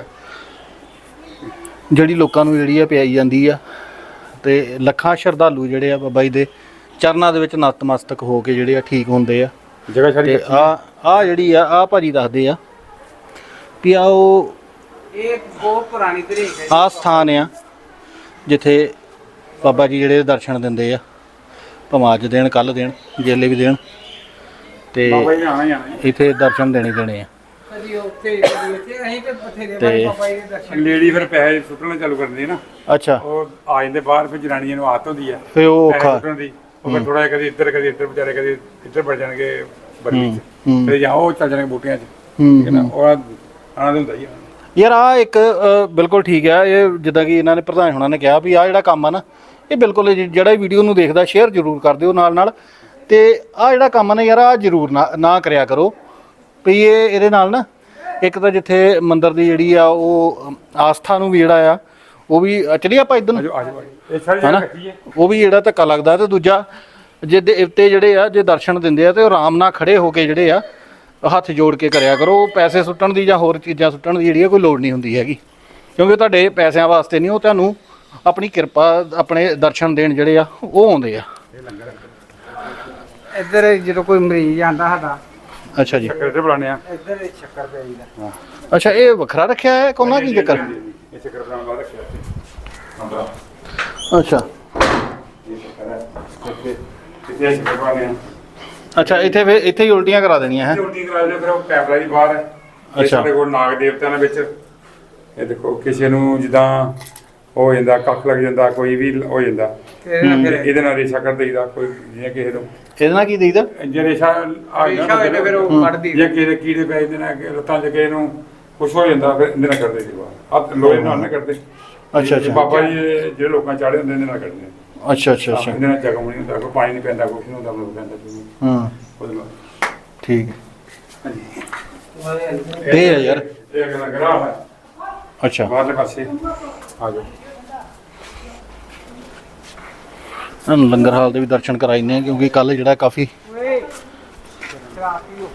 [SPEAKER 2] ਜਿਹੜੀ ਲੋਕਾਂ ਨੂੰ ਜਿਹੜੀ ਆ ਪਿਆਈ ਜਾਂਦੀ ਆ। ਤੇ ਲੱਖਾਂ ਸ਼ਰਧਾਲੂ ਜਿਹੜੇ ਆ ਬਾਬਾ ਜੀ ਦੇ ਚਰਨਾਂ ਦੇ ਵਿੱਚ ਨਤਮਸਤਕ ਹੋ ਕੇ ਜਿਹੜੇ ਆ ਠੀਕ ਹੁੰਦੇ ਆ।
[SPEAKER 4] ਜਗ੍ਹਾ ਸਾਰੀ
[SPEAKER 2] ਤੇ ਆ ਆ ਜਿਹੜੀ ਆ ਆ ਭਾਜੀ ਦੱਸਦੇ ਆ ਵੀ ਆ ਉਹ
[SPEAKER 6] ਇਹ ਬਹੁਤ ਪੁਰਾਣੀ ਤਰੀਕ ਹੈ।
[SPEAKER 2] ਆ ਸਥਾਨ ਆ ਜਿੱਥੇ ਬਾਬਾ ਜੀ ਜਿਹੜੇ ਦਰਸ਼ਨ ਦਿੰਦੇ ਆ, ਭਾਵੇਂ ਅੱਜ ਦੇਣ ਕੱਲ੍ਹ ਦੇਣ ਜੇਲੇ ਵੀ ਦੇਣ, ਤੇ
[SPEAKER 4] ਬਾਬਾ ਜੀ ਨੇ ਆਣਾ ਹੀ ਆਣਾ।
[SPEAKER 2] ਇੱਥੇ ਦਰਸ਼ਨ ਦੇਣੇ ਦੇਣੇ ਆ।
[SPEAKER 6] ਕਦੀ ਉੱਥੇ ਕਦੀ ਇੱਥੇ ਅਸੀਂ ਤੇ ਬਥੇਰੇ ਵਾਰ ਬਾਬਾ ਜੀ ਦੇ ਦਰਸ਼ਨ।
[SPEAKER 4] ਲੇਡੀ ਫਿਰ ਪੈਸੇ ਸੁੱਟਣਾ ਚਾਲੂ ਕਰਦੀ ਨਾ,
[SPEAKER 2] ਅੱਛਾ,
[SPEAKER 4] ਉਹ ਆ ਜਾਂਦੇ ਬਾਹਰ। ਫਿਰ ਜਨਾਨੀਆਂ ਨੂੰ ਆਦਤ ਹੁੰਦੀ ਆ
[SPEAKER 2] ਫੇ ਉਹ
[SPEAKER 4] ਪੈਸੇ
[SPEAKER 2] ਔਖਾ।
[SPEAKER 4] ਸੁੱਟਣ ਦੀ। ਉਹ ਫਿਰ ਥੋੜਾ ਜਿਹਾ ਕਦੀ ਇੱਧਰ ਕਦੀ ਇੱਧਰ ਵਿਚਾਰੇ ਕਦੀ ਇੱਧਰ ਵੜ ਜਾਣਗੇ ਬਰਮੀ ਚ,
[SPEAKER 2] ਹੂੰ।
[SPEAKER 4] ਫਿਰ ਜਾਂ ਉਹ ਚੱਲ ਜਾਣਗੇ ਬੂਟਿਆਂ ਚ।
[SPEAKER 2] ਹੂੰ,
[SPEAKER 4] ਠੀਕ ਹੈ ਨਾ, ਉਹ ਆਣਾ ਹੁੰਦਾ ਹੀ ਆ।
[SPEAKER 2] ਯਾਰ ਆ ਇੱਕ ਅ, ਬਿਲਕੁਲ ਠੀਕ ਆ। ਇਹ ਜਿੱਦਾਂ ਕਿ ਇਹਨਾਂ ਨੇ ਪ੍ਰਧਾਨ ਹੋਣਾ ਨੇ ਕਿਹਾ ਵੀ ਆ ਜਿਹੜਾ ਕੰਮ ਆ ਨਾ, ਇਹ ਬਿਲਕੁਲ ਜ- ਜਿਹੜਾ ਵੀਡੀਓ ਨੂੰ ਦੇਖਦਾ ਸ਼ੇਅਰ ਜ਼ਰੂਰ ਕਰ ਦਿਓ ਨਾਲ ਨਾਲ। ਤੇ ਆ ਜਿਹੜਾ ਕੰਮ ਆ ਨਾ ਯਾਰ, ਆ ਜ਼ਰੂਰ ਨਾ ਨਾ ਕਰਿਆ ਕਰੋ ਵੀ ਇਹ ਇਹਦੇ ਨਾਲ ਨਾ ਇੱਕ ਤਾਂ ਜਿੱਥੇ ਮੰਦਿਰ ਦੀ ਜਿਹੜੀ ਆ ਉਹ ਆਸਥਾ ਨੂੰ ਵੀ ਜਿਹੜਾ ਆ ਉਹ ਵੀ ਚਲੀ ਆਪਾਂ ਇੱਧਰ ਨੂੰ
[SPEAKER 4] ਆਜੋ ਆਜੋ ਆਜੋ। ਇਹ ਸਾਰੀ
[SPEAKER 2] ਹਨਾ,
[SPEAKER 4] ਜਗ੍ਹਾ ਕੱਚੀ ਹੈ।
[SPEAKER 2] ਉਹ ਵੀ ਜਿਹੜਾ ਧੱਕਾ ਲੱਗਦਾ। ਤੇ ਦੂਜਾ ਜੇ ਦੇਵਤੇ ਜਿਹੜੇ ਆ ਜੇ ਦਰਸ਼ਨ ਦਿੰਦੇ ਆ ਤੇ ਉਹ ਆਰਾਮ ਨਾਲ ਖੜੇ ਹੋ ਕੇ ਜਿਹੜੇ ਆ ਹੱਥ ਜੋੜ ਕੇ ਕਰਿਆ ਕਰੋ। ਪੈਸੇ ਸੁੱਟਣ ਦੀ ਜਾਂ ਹੋਰ ਚੀਜ਼ਾਂ ਸੁੱਟਣ ਦੀ ਜਿਹੜੀ ਆ ਕੋਈ ਲੋੜ ਨਹੀਂ ਹੁੰਦੀ ਹੈਗੀ, ਕਿਉਂਕਿ ਤੁਹਾਡੇ ਪੈਸਿਆਂ ਵਾਸਤੇ ਨਹੀਂ, ਉਹ ਤੁਹਾਨੂੰ ਆਪਣੀ ਕਿਰਪਾ ਆਪਣੇ ਦਰਸ਼ਨ ਦੇਣ ਜਿਹੜੇ ਆ ਉਹ ਆਉਂਦੇ ਆ।
[SPEAKER 6] ਇੱਧਰ ਜਦੋਂ ਕੋਈ ਮਰੀਜ਼ ਆਂਦਾ ਸਾਡਾ,
[SPEAKER 2] ਅੱਛਾ ਜੀ,
[SPEAKER 4] ਚੱਕਰ ਤੇ ਬੁਲਾਣੇ ਆ।
[SPEAKER 6] ਇੱਧਰ ਇਹ ਸ਼ੱਕਰ ਪਈ ਦਾ।
[SPEAKER 2] ਅੱਛਾ, ਇਹ ਵੱਖਰਾ ਰੱਖਿਆ ਹੈ ਕੋਨਾ ਕੀ ਚੱਕਰ?
[SPEAKER 4] ਇਹ ਚੱਕਰ ਬਣਾਉਣ ਬਾਅਦ ਰੱਖਿਆ ਇੱਥੇ ਨੰਬਰ।
[SPEAKER 2] ਅੱਛਾ
[SPEAKER 4] ਇਹ ਚੱਕਰ ਹੈ ਇੱਥੇ ਇੱਥੇ ਇਹ ਚੱਕਰ ਬਣਾਉਣੇ ਆ।
[SPEAKER 2] ਅੱਛਾ, ਇੱਥੇ ਫਿਰ ਇੱਥੇ ਹੀ ਉਲਟੀਆਂ ਕਰਾ ਦੇਣੀਆਂ ਹੈ।
[SPEAKER 4] ਉਲਟੀ ਕਰਾ ਲਿਓ। ਫਿਰ ਉਹ ਕੈਮਰਾ ਦੀ ਬਾਹਰ ਹੈ। ਇਹ
[SPEAKER 2] ਅੱਛਾ।
[SPEAKER 4] ਸਾਡੇ ਕੋਲ ਨਾਗ ਦੇਵਤਿਆਂ ਦੇ ਵਿੱਚ ਇਹ ਦੇਖੋ, ਕਿਸੇ ਨੂੰ ਜਿੱਦਾਂ ਹੋ ਜਾਂਦਾ, ਕੱਖ ਲੱਗ ਜਾਂਦਾ, ਕੋਈ ਵੀ ਹੋ ਜਾਂਦਾ,
[SPEAKER 6] ਤੇ ਇਹਦੇ ਨਾਲ
[SPEAKER 4] ਤੇ
[SPEAKER 6] ਫਿਰ
[SPEAKER 4] ਇਹਦੇ ਨਾਲ ਰੇਸ਼ਾ ਕਰ ਦਈਦਾ। ਕੋਈ ਜਿਵੇਂ ਕਿਸੇ ਨੂੰ
[SPEAKER 2] ਇਹਦੇ ਨਾਲ ਕੀ ਦੇਈਦਾ?
[SPEAKER 4] ਜੇ ਰੇਸ਼ਾ ਆ
[SPEAKER 6] ਰੇਸ਼ਾ
[SPEAKER 4] ਗਿਆ
[SPEAKER 6] ਹੋਏ ਤੇ ਫਿਰ ਉਹ ਕੱਢ ਦੀ।
[SPEAKER 4] ਜਾਂ ਕਿਸੇ ਦੇ ਕੀੜੇ ਪੈ ਜਾਂਦੇ ਨੇ ਲੱਤਾਂ 'ਚ, ਕਿਸੇ ਨੂੰ ਕੁਛ ਹੋ ਜਾਂਦਾ, ਫਿਰ ਇਹਦੇ ਨਾਲ ਕਰਦੇ ਸੀ ਬਾਹਰ। ਆਹ ਲੋਹੇ ਨਾਲ ਨਾ ਕਰਦੇ।
[SPEAKER 2] ਅੱਛਾ, ਅੱਛਾ।
[SPEAKER 4] ਬਾਬਾ ਜੀ ਦੇ ਜਿਹੜੇ ਲੋਕਾਂ ਚਾੜੇ ਹੁੰਦੇ ਇਹਦੇ ਨਾਲ ਕਰਦੇ ਨੇ।
[SPEAKER 2] ਅੱਛਾ ਅੱਛਾ ਅੱਛਾ,
[SPEAKER 4] ਇਹਦੇ ਨਾਲ ਜ਼ਖਮ ਨਹੀਂ ਹੁੰਦਾ, ਕੋਈ ਪਾਣੀ ਨਹੀਂ ਪੈਂਦਾ, ਕੁਛ ਨਹੀਂ ਹੁੰਦਾ, ਬਲੂ ਪੈਂਦਾ ਜੀ
[SPEAKER 2] ਹਾਂ
[SPEAKER 4] ਉਹਦੇ ਨਾਲ।
[SPEAKER 2] ਠੀਕ।
[SPEAKER 4] ਹਾਂਜੀ।
[SPEAKER 2] ਇਹ ਹੈ ਯਾਰ।
[SPEAKER 4] ਇਹ ਅਗਲਾ ਗਰਾਹ ਹੈ
[SPEAKER 2] ਅੱਛਾ,
[SPEAKER 4] ਬਾਹਰਲੇ ਪਾਸੇ ਆ ਜਾਓ।
[SPEAKER 2] ਸਾਨੂੰ ਲੰਗਰ ਹਾਲ ਦੇ ਵੀ ਦਰਸ਼ਨ ਕਰਾਈਨੇ ਆ ਕਿਉਂਕਿ ਕੱਲ ਜਿਹੜਾ ਕਾਫੀ
[SPEAKER 6] ਓਏ ਸ਼ਰਾਬ ਪੀਓ।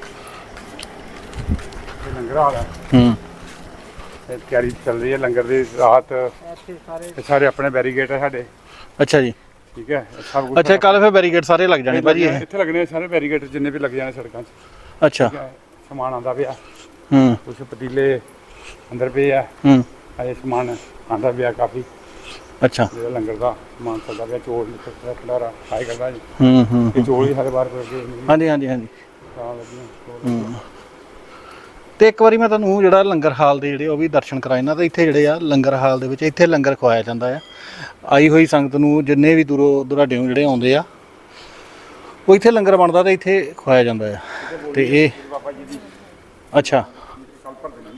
[SPEAKER 4] ਇਹ ਲੰਗਰ ਹਾਲ ਹੈ।
[SPEAKER 2] ਹੂੰ
[SPEAKER 4] ਇਹ ਤਿਆਰੀ ਚੱਲ ਰਹੀ ਹੈ ਲੰਗਰ ਦੀ। ਰਾਤ
[SPEAKER 6] ਇੱਥੇ ਸਾਰੇ
[SPEAKER 4] ਇਹ ਸਾਰੇ ਆਪਣੇ ਬੈਰੀਗੇਟ ਹੈ ਸਾਡੇ।
[SPEAKER 2] ਅੱਛਾ ਜੀ,
[SPEAKER 4] ਠੀਕ ਹੈ, ਇਹ ਸਭ ਕੁਝ
[SPEAKER 2] ਅੱਛਾ ਕੱਲ ਫਿਰ ਬੈਰੀਕੇਡ ਸਾਰੇ ਲੱਗ ਜਾਣੇ ਭਾਜੀ ਇਹ?
[SPEAKER 4] ਇੱਥੇ ਲੱਗਣੇ ਸਾਰੇ ਬੈਰੀਗੇਟ ਜਿੰਨੇ ਵੀ ਲੱਗ ਜਾਣੇ ਸੜਕਾਂ 'ਚ।
[SPEAKER 2] ਅੱਛਾ,
[SPEAKER 4] ਠੀਕ ਹੈ, ਸਮਾਨ ਆਉਂਦਾ ਪਿਆ,
[SPEAKER 2] ਹੂੰ
[SPEAKER 4] ਕੁਛ ਪਤੀਲੇ ਅੰਦਰ ਪਏ ਆ,
[SPEAKER 2] ਹੂੰ
[SPEAKER 4] ਅਜੇ ਸਮਾਨ ਆਉਂਦਾ ਪਿਆ ਕਾਫੀ।
[SPEAKER 2] ਅੱਛਾ,
[SPEAKER 4] ਜਿਹੜਾ ਲੰਗਰ ਦਾ ਸਮਾਨ ਚੱਲਦਾ ਪਿਆ, ਚੋਲ ਨਿਕਲਦਾ ਖਲਾਰਾ ਖਾਈ ਕਰਦਾ ਜੀ।
[SPEAKER 2] ਹੂੰ ਹੂੰ
[SPEAKER 4] ਇਹ ਚੋਲ ਹੀ ਹਰ ਵਾਰ ਕਰਕੇ
[SPEAKER 2] ਹਾਂਜੀ ਹਾਂਜੀ ਹਾਂਜੀ।
[SPEAKER 4] ਤਾਂ ਲੱਗੀਆਂ
[SPEAKER 2] ਹੂੰ। ਤੇ ਇੱਕ ਵਾਰੀ ਮੈਂ ਤੁਹਾਨੂੰ ਜਿਹੜਾ ਲੰਗਰ ਹਾਲ ਦੇ ਜਿਹੜੇ ਉਹ ਵੀ ਦਰਸ਼ਨ ਕਰਾਏ ਨਾ, ਤਾਂ ਇੱਥੇ ਜਿਹੜੇ ਆ ਲੰਗਰ ਹਾਲ ਦੇ ਵਿੱਚ ਇੱਥੇ ਲੰਗਰ ਖਵਾਇਆ ਜਾਂਦਾ ਆ। ਆਈ ਹੋਈ ਸੰਗਤ ਨੂੰ ਜਿੰਨੇ ਵੀ ਦੂਰੋਂ ਦੁਰਾਡਿਓਂ ਜਿਹੜੇ ਆਉਂਦੇ ਆ ਉਹ ਇੱਥੇ ਲੰਗਰ ਬਣਦਾ ਤੇ ਇੱਥੇ ਖਵਾਇਆ ਜਾਂਦਾ ਆ। ਤੇ ਇਹ
[SPEAKER 4] ਬਾਬਾ ਜੀ ਦੀ
[SPEAKER 2] ਅੱਛਾ,
[SPEAKER 4] ਕੱਲ ਭਰਦੇ ਨੇ।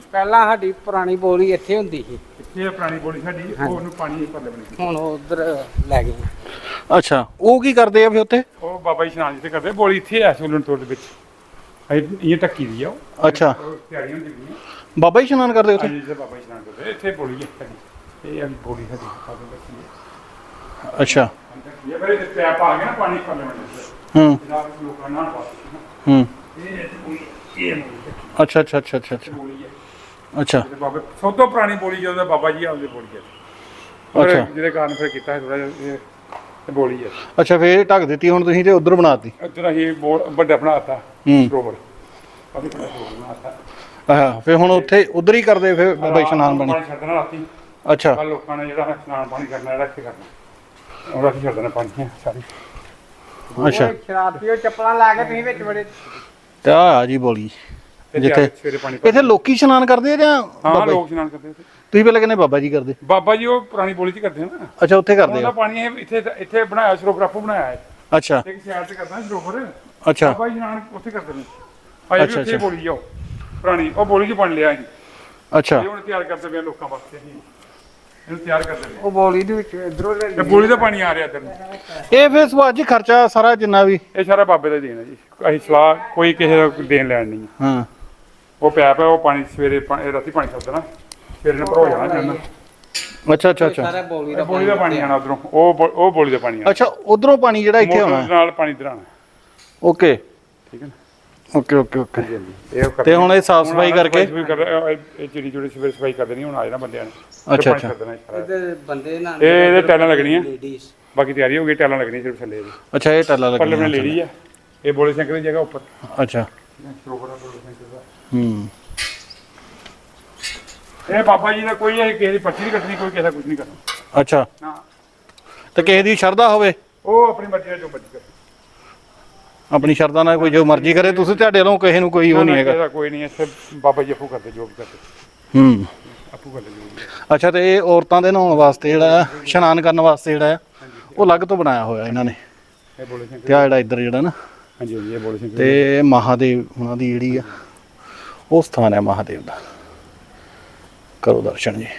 [SPEAKER 6] ਪਹਿਲਾਂ ਸਾਡੀ ਪੁਰਾਣੀ ਬੋਲੀ ਇੱਥੇ ਹੁੰਦੀ ਸੀ
[SPEAKER 4] ਇੱਥੇ ਇਹ ਪੁਰਾਣੀ ਬੋਲੀ ਸਾਡੀ ਉਹ ਉਹਨੂੰ ਪਾਣੀ ਪਰਲੇ ਬਣੀ
[SPEAKER 6] ਹੁਣ ਉਧਰ ਲੈ ਗਏ
[SPEAKER 2] ਅੱਛਾ, ਉਹ ਕੀ ਕਰਦੇ ਆ ਫਿਰ ਉੱਥੇ?
[SPEAKER 4] ਉਹ ਬਾਬਾ ਜੀ ਇਸ਼ਨਾਨ ਜਿੱਥੇ ਕਰਦੇ ਬੋਲੀ ਇੱਥੇ ਆ ਸੋਲਣ ਤੋੜ ਦੇ ਵਿੱਚ ਇਹ ਇਹ ਟੱਕੀ ਦੀ ਆ ਉਹ
[SPEAKER 2] ਅੱਛਾ,
[SPEAKER 4] ਉਹ ਤਿਆਰੀਆਂ ਹੁੰਦੀਆਂ
[SPEAKER 2] ਬਾਬਾ ਜੀ ਇਸ਼ਨਾਨ ਕਰਦੇ ਉੱਥੇ?
[SPEAKER 4] ਹਾਂਜੀ ਜਿੱਥੇ ਬਾਬਾ ਜੀ ਇਸ਼ਨਾਨ ਕਰਦੇ ਇੱਥੇ ਬੋਲੀ ਹੈ ਸਾਡੀ ਇਹ ਆ ਬੋਲੀ ਸਾਡੀ ਸਾਡੀ ਬੱਚੀ ਹੈ
[SPEAKER 2] ਅੱਛਾ,
[SPEAKER 4] ਇਹ ਬੜੇ ਪੈਪ ਆ ਗਏ ਨਾ ਪਾਣੀ ਪਰਲੇ ਬਣੇ
[SPEAKER 2] ਹੂੰ
[SPEAKER 4] ਜਿਹੜਾ ਲੋਕਾਂ ਨਾਲ ਪਾਸ
[SPEAKER 2] ਹੂੰ,
[SPEAKER 4] ਇਹ ਇੱਥੇ ਬੋਲੀ ਇਹ ਬੋਲੀ
[SPEAKER 2] ਅੱਛਾ ਅੱਛਾ ਅੱਛਾ ਅੱਛਾ ਅੱਛਾ
[SPEAKER 4] ਬੋਲੀ ਹੈ
[SPEAKER 2] ਅੱਛਾ
[SPEAKER 4] ਤੇ ਬਾਬੇ ਸਭ ਤੋਂ ਪੁਰਾਣੀ ਬੋਲੀ ਜਦੋਂ ਬਾਬਾ ਜੀ ਆਉਂਦੇ ਬੋਲੀ ਹੈ ਪਰ
[SPEAKER 2] ਅੱਛਾ।
[SPEAKER 4] ਜਿਹਦੇ ਕਾਰਨ ਫਿਰ ਕੀਤਾ ਥੋੜਾ ਜਿਹਾ ਇਹ ਇਹ ਬੋਲੀ ਹੈ
[SPEAKER 2] ਅੱਛਾ, ਫੇਰ ਢੱਕ ਦਿੱਤੀ ਹੁਣ ਤੁਸੀਂ ਤੇ ਉਧਰ ਬਣਾਤੀ?
[SPEAKER 4] ਇੱਧਰ ਅਸੀਂ ਬੋਲ ਵੱਡਾ ਬਣਾਤਾ
[SPEAKER 2] ਹੂੰ।
[SPEAKER 4] ਸਰੋਵਰ ਕਾਫੀ ਵੱਡਾ ਸਰੋਵਰ ਬਣਾਤਾ
[SPEAKER 2] ਆਹ ਫੇਰ ਹੁਣ ਉੱਥੇ ਉਧਰ ਹੀ ਕਰਦੇ ਫਿਰ ਬਾਬਾ ਇਸ਼ਨਾਨ ਬਣੀ?
[SPEAKER 4] ਪਾਣੀ ਛੱਡਣਾ ਰਾਤੀ
[SPEAKER 2] ਅੱਛਾ
[SPEAKER 4] ਕੱਲ ਲੋਕਾਂ ਨੇ ਜਿਹੜਾ ਇਸ਼ਨਾਨ ਪਾਣੀ ਕਰਨਾ ਜਿਹੜਾ ਇੱਥੇ ਕਰਨਾ ਉਹ ਰਾਤੀ ਛੱਡਣਾ ਪਾਣੀ ਸਾਰੀ
[SPEAKER 2] ਅੱਛਾ,
[SPEAKER 6] ਉਹ ਸ਼ਰਾਬੀ ਉਹ ਚੱਪਲਾਂ ਲਾ ਕੇ ਤੁਸੀਂ ਵਿੱਚ ਬੜੇ
[SPEAKER 2] ਤੇ ਆ ਆ ਜੀ ਬੋਲੀ
[SPEAKER 4] ਤੇ
[SPEAKER 2] ਜਿੱਥੇ
[SPEAKER 4] ਸਵੇਰੇ ਪਾਣੀ
[SPEAKER 2] ਇੱਥੇ ਲੋਕੀ ਇਸ਼ਨਾਨ ਕਰਦੇ ਆ ਜਾਂ
[SPEAKER 4] ਹਾਂ
[SPEAKER 2] ਬਾਬਾ ਜੀ?
[SPEAKER 4] ਲੋਕ ਇਸ਼ਨਾਨ ਕਰਦੇ ਉੱਥੇ
[SPEAKER 2] ਤੁਸੀਂ ਪਹਿਲਾਂ ਕਹਿੰਦੇ ਬਾਬਾ ਜੀ ਕਰਦੇ?
[SPEAKER 4] ਬਾਬਾ ਜੀ ਉਹ ਪੁਰਾਣੀ ਬੋਲੀ ਚ ਕਰਦੇ ਆ ਨਾ
[SPEAKER 2] ਅੱਛਾ, ਉੱਥੇ ਕਰਦੇ
[SPEAKER 4] ਉਹਦਾ
[SPEAKER 2] ਆ?
[SPEAKER 4] ਪਾਣੀ ਇਹ ਇੱਥੇ ਇੱਥੇ ਬਣਾਇਆ ਸਰੋਵਰ ਆਪੋ ਬਣਾਇਆ ਹੈ
[SPEAKER 2] ਅੱਛਾ
[SPEAKER 4] ਇੱਕ ਸਾਈਡ ਤੇ ਕਰਦਾ ਸਰੋਵਰ
[SPEAKER 2] ਅੱਛਾ
[SPEAKER 4] ਬਾਬਾ ਜੀ ਇਸ਼ਨਾਨ ਉੱਥੇ ਕਰਦੇ ਨੇ ਅਜੇ
[SPEAKER 2] ਅੱਛਾ,
[SPEAKER 4] ਵੀ ਉੱਥੇ
[SPEAKER 2] ਅੱਛਾ।
[SPEAKER 4] ਬੋਲੀ ਜਾਓ ਪੁਰਾਣੀ ਉਹ ਬੋਲੀ ਚ ਬਣ ਲਿਆ ਜੀ
[SPEAKER 2] ਅੱਛਾ
[SPEAKER 4] ਇਹ ਹੁਣ ਤਿਆਰ ਕਰਦੇ ਪਏ ਆ ਲੋਕਾਂ ਵਾਸਤੇ ਅਸੀਂ ਇਹਨੂੰ ਤਿਆਰ ਕਰਦੇ ਪਏ
[SPEAKER 6] ਉਹ ਬੋਲੀ ਦੇ ਵਿੱਚ ਇਧਰੋਂ ਲੈ
[SPEAKER 4] ਆ। ਤੇ ਬੋਲੀ ਦਾ ਪਾਣੀ ਆ ਰਿਹਾ ਇੱਧਰ ਨੂੰ
[SPEAKER 2] ਇਹ ਫਿਰ ਸੁਭਾਅ ਜੀ ਖਰਚਾ ਸਾਰਾ ਜਿੰਨਾ ਵੀ?
[SPEAKER 4] ਇਹ ਸਾਰਾ ਬਾਬੇ ਦਾ ਹੀ ਦੇਣਾ ਜੀ ਅਸੀਂ ਸਲਾਹ ਕੋਈ ਕਿਸੇ ਦਾ ਦੇਣ ਲੈਣ ਨਹੀਂ
[SPEAKER 2] ਹਾਂ
[SPEAKER 4] ਉਹ ਪੈਪ ਹੈ ਉਹ ਪਾਣੀ ਸਵੇਰੇ ਪਾ- ਇਹ ਰਾਤੀ ਪਾਣੀ ਛੱਡ ਦੇਣਾ ਸਵੇਰੇ ਨੂੰ ਭਰੋ ਜਾਣਾ ਜਨ
[SPEAKER 2] ਅੱਛਾ ਅੱਛਾ ਅੱਛਾ
[SPEAKER 6] ਸਾਰਾ ਬੋਲੀ ਦਾ
[SPEAKER 4] ਬੋਲੀ ਦਾ ਪਾਣੀ ਆਣਾ ਉਧਰੋਂ ਉਹ ਬੋ- ਉਹ ਬੋਲੀ ਦਾ ਪਾਣੀ ਆਣਾ
[SPEAKER 2] ਅੱਛਾ, ਉਧਰੋਂ ਪਾਣੀ ਜਿਹੜਾ ਇੱਥੇ
[SPEAKER 4] ਮੋਟਰ
[SPEAKER 2] ਆਉਣਾ?
[SPEAKER 4] ਨਾਲ ਪਾਣੀ ਇੱਧਰ ਆਣਾ
[SPEAKER 2] ਓਕੇ
[SPEAKER 4] ਠੀਕ ਹੈ ਨਾ
[SPEAKER 2] ਓਕੇ ਓਕੇ ਓਕੇ
[SPEAKER 4] ਹਾਂਜੀ ਹਾਂਜੀ ਇਹ ਕਰਦੇ
[SPEAKER 2] ਤੇ ਹੁਣ ਇਹ ਸਾਫ਼ ਸਫਾਈ ਕਰਕੇ?
[SPEAKER 4] ਸਫਾਈ ਕਰ ਇਹ ਚਿੜੀ ਚਿੜੀ ਸਵੇਰੇ ਸਫਾਈ ਕਰਦੇ ਨਹੀਂ ਹੁਣ ਆ ਜਾਣਾ ਬੰਦਿਆਂ ਨੇ
[SPEAKER 2] ਅੱਛਾ,
[SPEAKER 4] ਪਾਣੀ
[SPEAKER 2] ਅੱਛਾ।
[SPEAKER 4] ਛੱਡ ਦੇਣਾ ਸਾਰਾ।
[SPEAKER 6] ਇਹਦੇ ਬੰਦੇ ਨਾਲ
[SPEAKER 4] ਇਹ ਇਹਦੇ ਟੈਲਾਂ ਲੱਗਣੀਆਂ
[SPEAKER 6] ਲੇਡੀਜ਼
[SPEAKER 4] ਬਾਕੀ ਤਿਆਰੀ ਹੋ ਗਈ ਟੈਲਾਂ ਲੱਗਣੀਆਂ ਸਿਰਫ ਥੱਲੇ ਜੀ
[SPEAKER 2] ਅੱਛਾ, ਇਹ ਟੱਲਾ
[SPEAKER 4] ਪਰਲੇ
[SPEAKER 2] ਲੱਗਣਾ?
[SPEAKER 4] ਬਣੇ ਲੇਡੀ ਆ ਇਹ ਬੋਲੇ ਸ਼ੰਕਰ ਦੀ ਜਗ੍ਹਾ ਉੱਪਰ
[SPEAKER 2] ਅੱਛਾ
[SPEAKER 4] ਸਰੋਵਰ ਆ ਬੋਲੇ ਸ਼ੰਕਰ ਦਾ
[SPEAKER 2] ਹੂੰ
[SPEAKER 4] ਇਹ ਬਾਬਾ ਜੀ ਦਾ ਕੋਈ ਇਹ ਕਿਸੇ ਦੀ ਪਰਚੀ ਨਹੀਂ ਕੱਟਣੀ ਕੋਈ ਕਿਸੇ ਦਾ ਕੁਝ ਨਹੀਂ ਕਰਨਾ
[SPEAKER 2] ਅੱਛਾ,
[SPEAKER 4] ਨਾ
[SPEAKER 2] ਤੇ ਕਿਸੇ ਦੀ ਸ਼ਰਧਾ ਹੋਵੇ
[SPEAKER 4] ਉਹ ਆਪਣੀ ਮਰਜ਼ੀ ਨਾਲ ਜੋ ਮਰਜ਼ੀ ਕਰੇ
[SPEAKER 2] ਆਪਣੀ ਸ਼ਰਧਾ ਨਾਲ ਕੋਈ ਜੋ ਮਰਜ਼ੀ ਕਰੇ, ਤੁਸੀਂ ਤੁਹਾਡੇ ਵੱਲੋਂ ਕਿਸੇ ਨੂੰ ਕੋਈ ਉਹ ਨਹੀਂ ਹੈਗਾ?
[SPEAKER 4] ਇਹਦਾ ਕੋਈ ਨਹੀਂ ਇੱਥੇ ਬਾਬਾ ਜੀ ਆਪੂ ਕਰਦੇ ਜੋ ਵੀ ਕਰਦੇ
[SPEAKER 2] ਹੂੰ
[SPEAKER 4] ਆਪੂ ਕਰਦੇ ਜੋ ਵੀ ਹੈ।
[SPEAKER 2] ਅੱਛਾ, ਤੇ ਇਹ ਔਰਤਾਂ ਦੇ ਨਹਾਉਣ ਵਾਸਤੇ ਜਿਹੜਾ ਆ, ਇਸ਼ਨਾਨ ਕਰਨ ਵਾਸਤੇ ਜਿਹੜਾ ਆ ਉਹ ਅਲੱਗ ਤੋਂ ਬਣਾਇਆ ਹੋਇਆ ਇਹਨਾਂ ਨੇ?
[SPEAKER 4] ਇਹ ਬੋਲੇ ਸ਼ੰਕਰ
[SPEAKER 2] ਤੇ ਆ ਜਿਹੜਾ ਇੱਧਰ ਜਿਹੜਾ ਨਾ,
[SPEAKER 4] ਹਾਂਜੀ ਹਾਂਜੀ ਇਹ ਬੋਲੇ ਸ਼ੰਕਰ
[SPEAKER 2] ਤੇ ਮਹਾਦੇਵ ਉਹਨਾਂ ਦੀ ਜਿਹੜੀ ਆ ਉਹ ਸਥਾਨ ਹੈ ਮਹਾਦੇਵ ਦਾ। ਕਰੋ ਦਰਸ਼ਨ ਜੀ।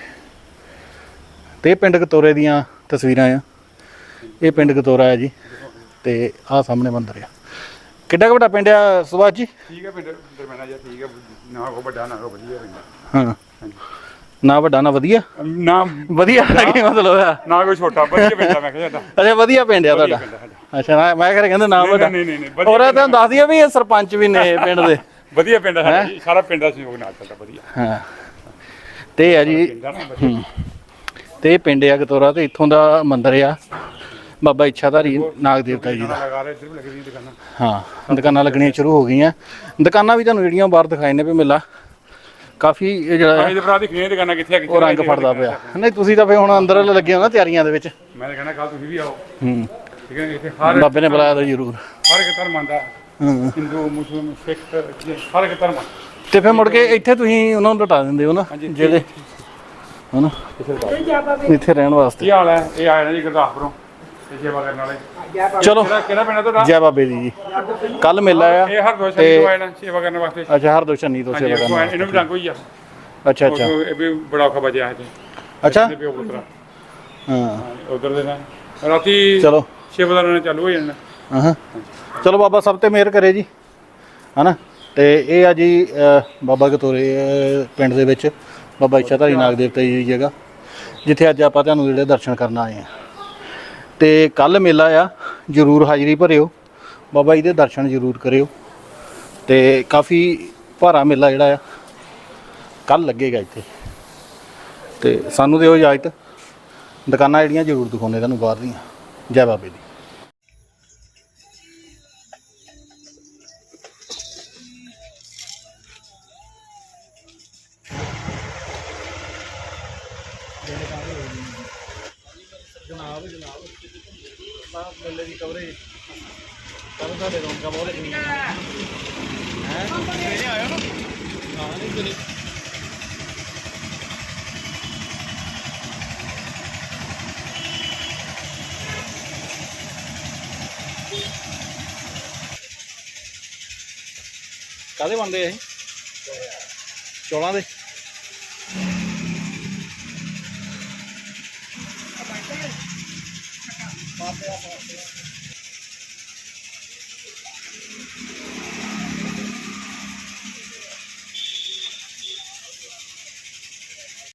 [SPEAKER 2] ਤੇ ਇਹ ਪਿੰਡ ਗਤੋਰੇ ਦੀਆਂ ਤਸਵੀਰਾਂ ਆ। ਇਹ ਪਿੰਡ ਗਤੋਰਾ ਹੈ ਜੀ ਤੇ ਆਹ ਸਾਹਮਣੇ ਮੰਦਿਰ ਆ। ਕਿੱਡਾ ਕੁ ਵੱਡਾ ਪਿੰਡ ਆ ਸੁਭਾਸ਼ ਜੀ?
[SPEAKER 4] ਠੀਕ ਹੈ ਪਿੰਡ ਦਰਮਿਆਨਾ ਜਿਹਾ ਠੀਕ ਹੈ ਨਾ ਕੋ ਵੱਡਾ ਨਾ ਕੋ ਵਧੀਆ ਪਿੰਡ
[SPEAKER 2] ਹਾਂ,
[SPEAKER 4] ਹਾਂਜੀ
[SPEAKER 2] ਨਾ ਵੱਡਾ ਨਾ ਵਧੀਆ?
[SPEAKER 4] ਨਾ
[SPEAKER 2] ਵਧੀਆ ਕੀ ਮਤਲਬ ਆ?
[SPEAKER 4] ਨਾ ਕੋਈ ਛੋਟਾ ਵਧੀਆ ਪਿੰਡ ਆ ਮੈਂ ਕਿਹਾ ਤੁਹਾਡਾ
[SPEAKER 2] ਅੱਛਾ, ਵਧੀਆ ਪਿੰਡ ਆ ਤੁਹਾਡਾ?
[SPEAKER 4] ਪਿੰਡ ਆ ਸਾਡਾ।
[SPEAKER 2] ਅੱਛਾ, ਨਾ ਮੈਂ ਘਰੇ ਕਹਿੰਦੇ ਨਾ ਵੱਡਾ।
[SPEAKER 4] ਨਹੀਂ ਨਹੀਂ ਨਹੀਂ ਵਧੀਆ
[SPEAKER 2] ਔਰ ਤੁਹਾਨੂੰ ਦੱਸ ਦਈਏ ਵੀ ਇਹ ਸਰਪੰਚ ਵੀ ਨੇ ਪਿੰਡ ਦੇ।
[SPEAKER 4] ਵਧੀਆ ਪਿੰਡ ਆ ਸਾਡਾ ਜੀ ਸਾਰਾ ਪਿੰਡ ਦਾ ਸਹਿਯੋਗ ਨਾਲ ਚੱਲਦਾ ਵਧੀਆ
[SPEAKER 2] ਹਾਂ, ਤੇ ਆ ਜੀ
[SPEAKER 4] ਪਿੰਡ ਆ ਨਾ ਵਧੀਆ
[SPEAKER 2] ਤੇ ਇਹ ਪਿੰਡ ਆ ਗਤੋਰਾ ਤੇ ਇੱਥੋਂ ਦਾ ਮੰਦਿਰ ਆ ਬਾਬਾ ਇੱਛਾਧਾਰੀ ਨਾਗ ਦੇਵਤਾ ਜੀ ਦਾ।
[SPEAKER 4] ਲਗਾ ਰਹੇ ਇੱਧਰ ਵੀ ਲੱਗਦੀਆਂ ਦੁਕਾਨਾਂ
[SPEAKER 2] ਹਾਂ, ਦੁਕਾਨਾਂ ਲੱਗਣੀਆਂ ਸ਼ੁਰੂ ਹੋ ਗਈਆਂ। ਦੁਕਾਨਾਂ ਵੀ ਤੁਹਾਨੂੰ ਜਿਹੜੀਆਂ ਬਾਹਰ ਦਿਖਾਈ ਨੇ ਵੀ ਮੇਲਾ ਕਾਫੀ ਇਹ ਜਿਹੜਾ
[SPEAKER 4] ਇਹਦੇ ਭਰਾ ਦੀ ਖੀਆਂ ਦੁਕਾਨਾਂ ਕਿੱਥੇ ਆ ਕਿੱਥੇ
[SPEAKER 2] ਉਹ ਰੰਗ ਫੜਦਾ ਪਿਆ। ਨਹੀਂ, ਤੁਸੀਂ ਤਾਂ ਫੇ ਹੁਣ ਅੰਦਰ ਲੱਗੇ ਹੋ ਨਾ ਤਿਆਰੀਆਂ ਦੇ ਵਿੱਚ।
[SPEAKER 4] ਮੈਂ ਤਾਂ ਕਹਿੰਦਾ ਕੱਲ ਤੁਸੀਂ ਵੀ ਆਓ
[SPEAKER 2] ਹੂੰ,
[SPEAKER 4] ਠੀਕ ਹੈ ਇੱਥੇ ਹਰ
[SPEAKER 2] ਬਾਬੇ ਨੇ ਬੁਲਾਇਆ ਤਾਂ ਜ਼ਰੂਰ।
[SPEAKER 4] ਹਰ ਇੱਕ ਧਰਮ ਆਉਂਦਾ
[SPEAKER 2] ਹਾਂ,
[SPEAKER 4] ਹਿੰਦੂ ਮੁਸਲਮਾਨ ਸਿੱਖ ਹਰ ਇੱਕ ਧਰਮ
[SPEAKER 2] ਤੇ ਫਿਰ ਮੁੜ ਕੇ ਇੱਥੇ ਤੁਸੀਂ ਉਹਨਾਂ ਨੂੰ ਲਟਾ ਦਿੰਦੇ ਹੋ ਨਾ ਜਿਹੜੇ ਹਨਾ ਇੱਥੇ ਰਹਿਣ ਵਾਸਤੇ।
[SPEAKER 4] ਕੀ ਹਾਲ ਹੈ? ਇਹ ਆਇਆ ਨਾ ਜੀ ਗੁਰਦਾਸਪੁਰੋਂ ਤੇ ਸੇਵਾ ਕਰਨ ਵਾਲੇ।
[SPEAKER 2] ਚਲੋ,
[SPEAKER 4] ਕਿਹੜਾ ਕਿਹੜਾ ਪਿੰਡ ਆ ਤੁਹਾਡਾ?
[SPEAKER 2] ਜੈ ਬਾਬੇ ਦੀ ਜੀ। ਕੱਲ ਮੇਲਾ ਆ।
[SPEAKER 4] ਇਹ ਹਰ ਦੋਸ਼ਾਂ ਤੋਂ ਆਏ ਨਾ ਸੇਵਾ ਕਰਨ ਵਾਸਤੇ।
[SPEAKER 2] ਅੱਛਾ, ਹਰ ਦੋਸ਼ਨੀ ਤੋਂ
[SPEAKER 4] ਹਾਂਜੀ
[SPEAKER 2] ਸੇਵਾ
[SPEAKER 4] ਇੱਥੋਂ ਆਏ,
[SPEAKER 2] ਕਰਨਾ।
[SPEAKER 4] ਇਹਨੂੰ ਵੀ ਡੰਗ ਹੋਈ ਆ
[SPEAKER 2] ਅੱਛਾ ਅੱਛਾ
[SPEAKER 4] ਉਹ- ਇਹ ਵੀ ਬੜਾ ਔਖਾ ਬਚਿਆ ਹੈ ਤੇ
[SPEAKER 2] ਅੱਛਾ
[SPEAKER 4] ਇਹਦੇ ਪਿਓ ਪੁੱਤਰਾ
[SPEAKER 2] ਹਾਂ,
[SPEAKER 4] ਉਧਰ ਦੇ ਨਾ ਰਾਤੀ
[SPEAKER 2] ਚਲੋ
[SPEAKER 4] ਸੇਵਾਦਾਰਾਂ ਨੇ ਚਾਲੂ ਹੋ ਜਾਣਾ।
[SPEAKER 2] ਹਾਂ, ਚਲੋ ਬਾਬਾ ਸਭ ਤੇ ਮਿਹਰ ਕਰੇ ਜੀ ਹਨਾ। ਤੇ ਇਹ ਆ ਜੀ ਅ, ਬਾਬਾ ਗਤੋਰੇ ਅ, ਪਿੰਡ ਦੇ ਵਿੱਚ ਬਾਬਾ ਇੱਛਾਧਾਰੀ ਨਾਗ ਦੇਵਤਾ ਜੀ ਦੀ ਜਗ੍ਹਾ, ਜਿੱਥੇ ਅੱਜ ਆਪਾਂ ਤੁਹਾਨੂੰ ਜਿਹੜੇ ਦਰਸ਼ਨ ਕਰਨ ਆਏ ਆ। ਤੇ ਕੱਲ ਮੇਲਾ ਆ, ਜ਼ਰੂਰ ਹਾਜ਼ਰੀ ਭਰਿਓ, ਬਾਬਾ ਜੀ ਦੇ ਦਰਸ਼ਨ ਜ਼ਰੂਰ ਕਰਿਓ। ਤੇ ਕਾਫੀ ਭਾਰਾ ਮੇਲਾ ਜਿਹੜਾ ਆ ਕੱਲ ਲੱਗੇਗਾ ਇੱਥੇ। ਤੇ ਸਾਨੂੰ ਦਿਓ ਇਜਾਜ਼ਤ, ਦੁਕਾਨਾਂ ਜਿਹੜੀਆਂ ਜ਼ਰੂਰ ਦਿਖਾਉਂਦੇ ਤੁਹਾਨੂੰ ਬਾਹਰ ਦੀਆਂ। ਜੈ ਬਾਬੇ ਦੀ। ਜਨਾਬ ਜਨਾਬ ਬਾਪ ਮੇਲੇ ਦੀ ਕਵਰੇਜ ਕੱਲ ਸਾਡੇ ਰੌਣਕਾਂ ਬਹੁਤ ਲੱਗੀਆਂ ਹੈ। ਸਵੇਰੇ ਆਇਓ ਨਾ? ਹਾਂ, ਨਹੀਂ ਚਲੇ ਕਾਹਦੇ ਬਣਦੇ ਆ ਇਹ? ਚੌਲਾਂ ਦੇ?
[SPEAKER 6] ਬਾਬੇ ਦਾ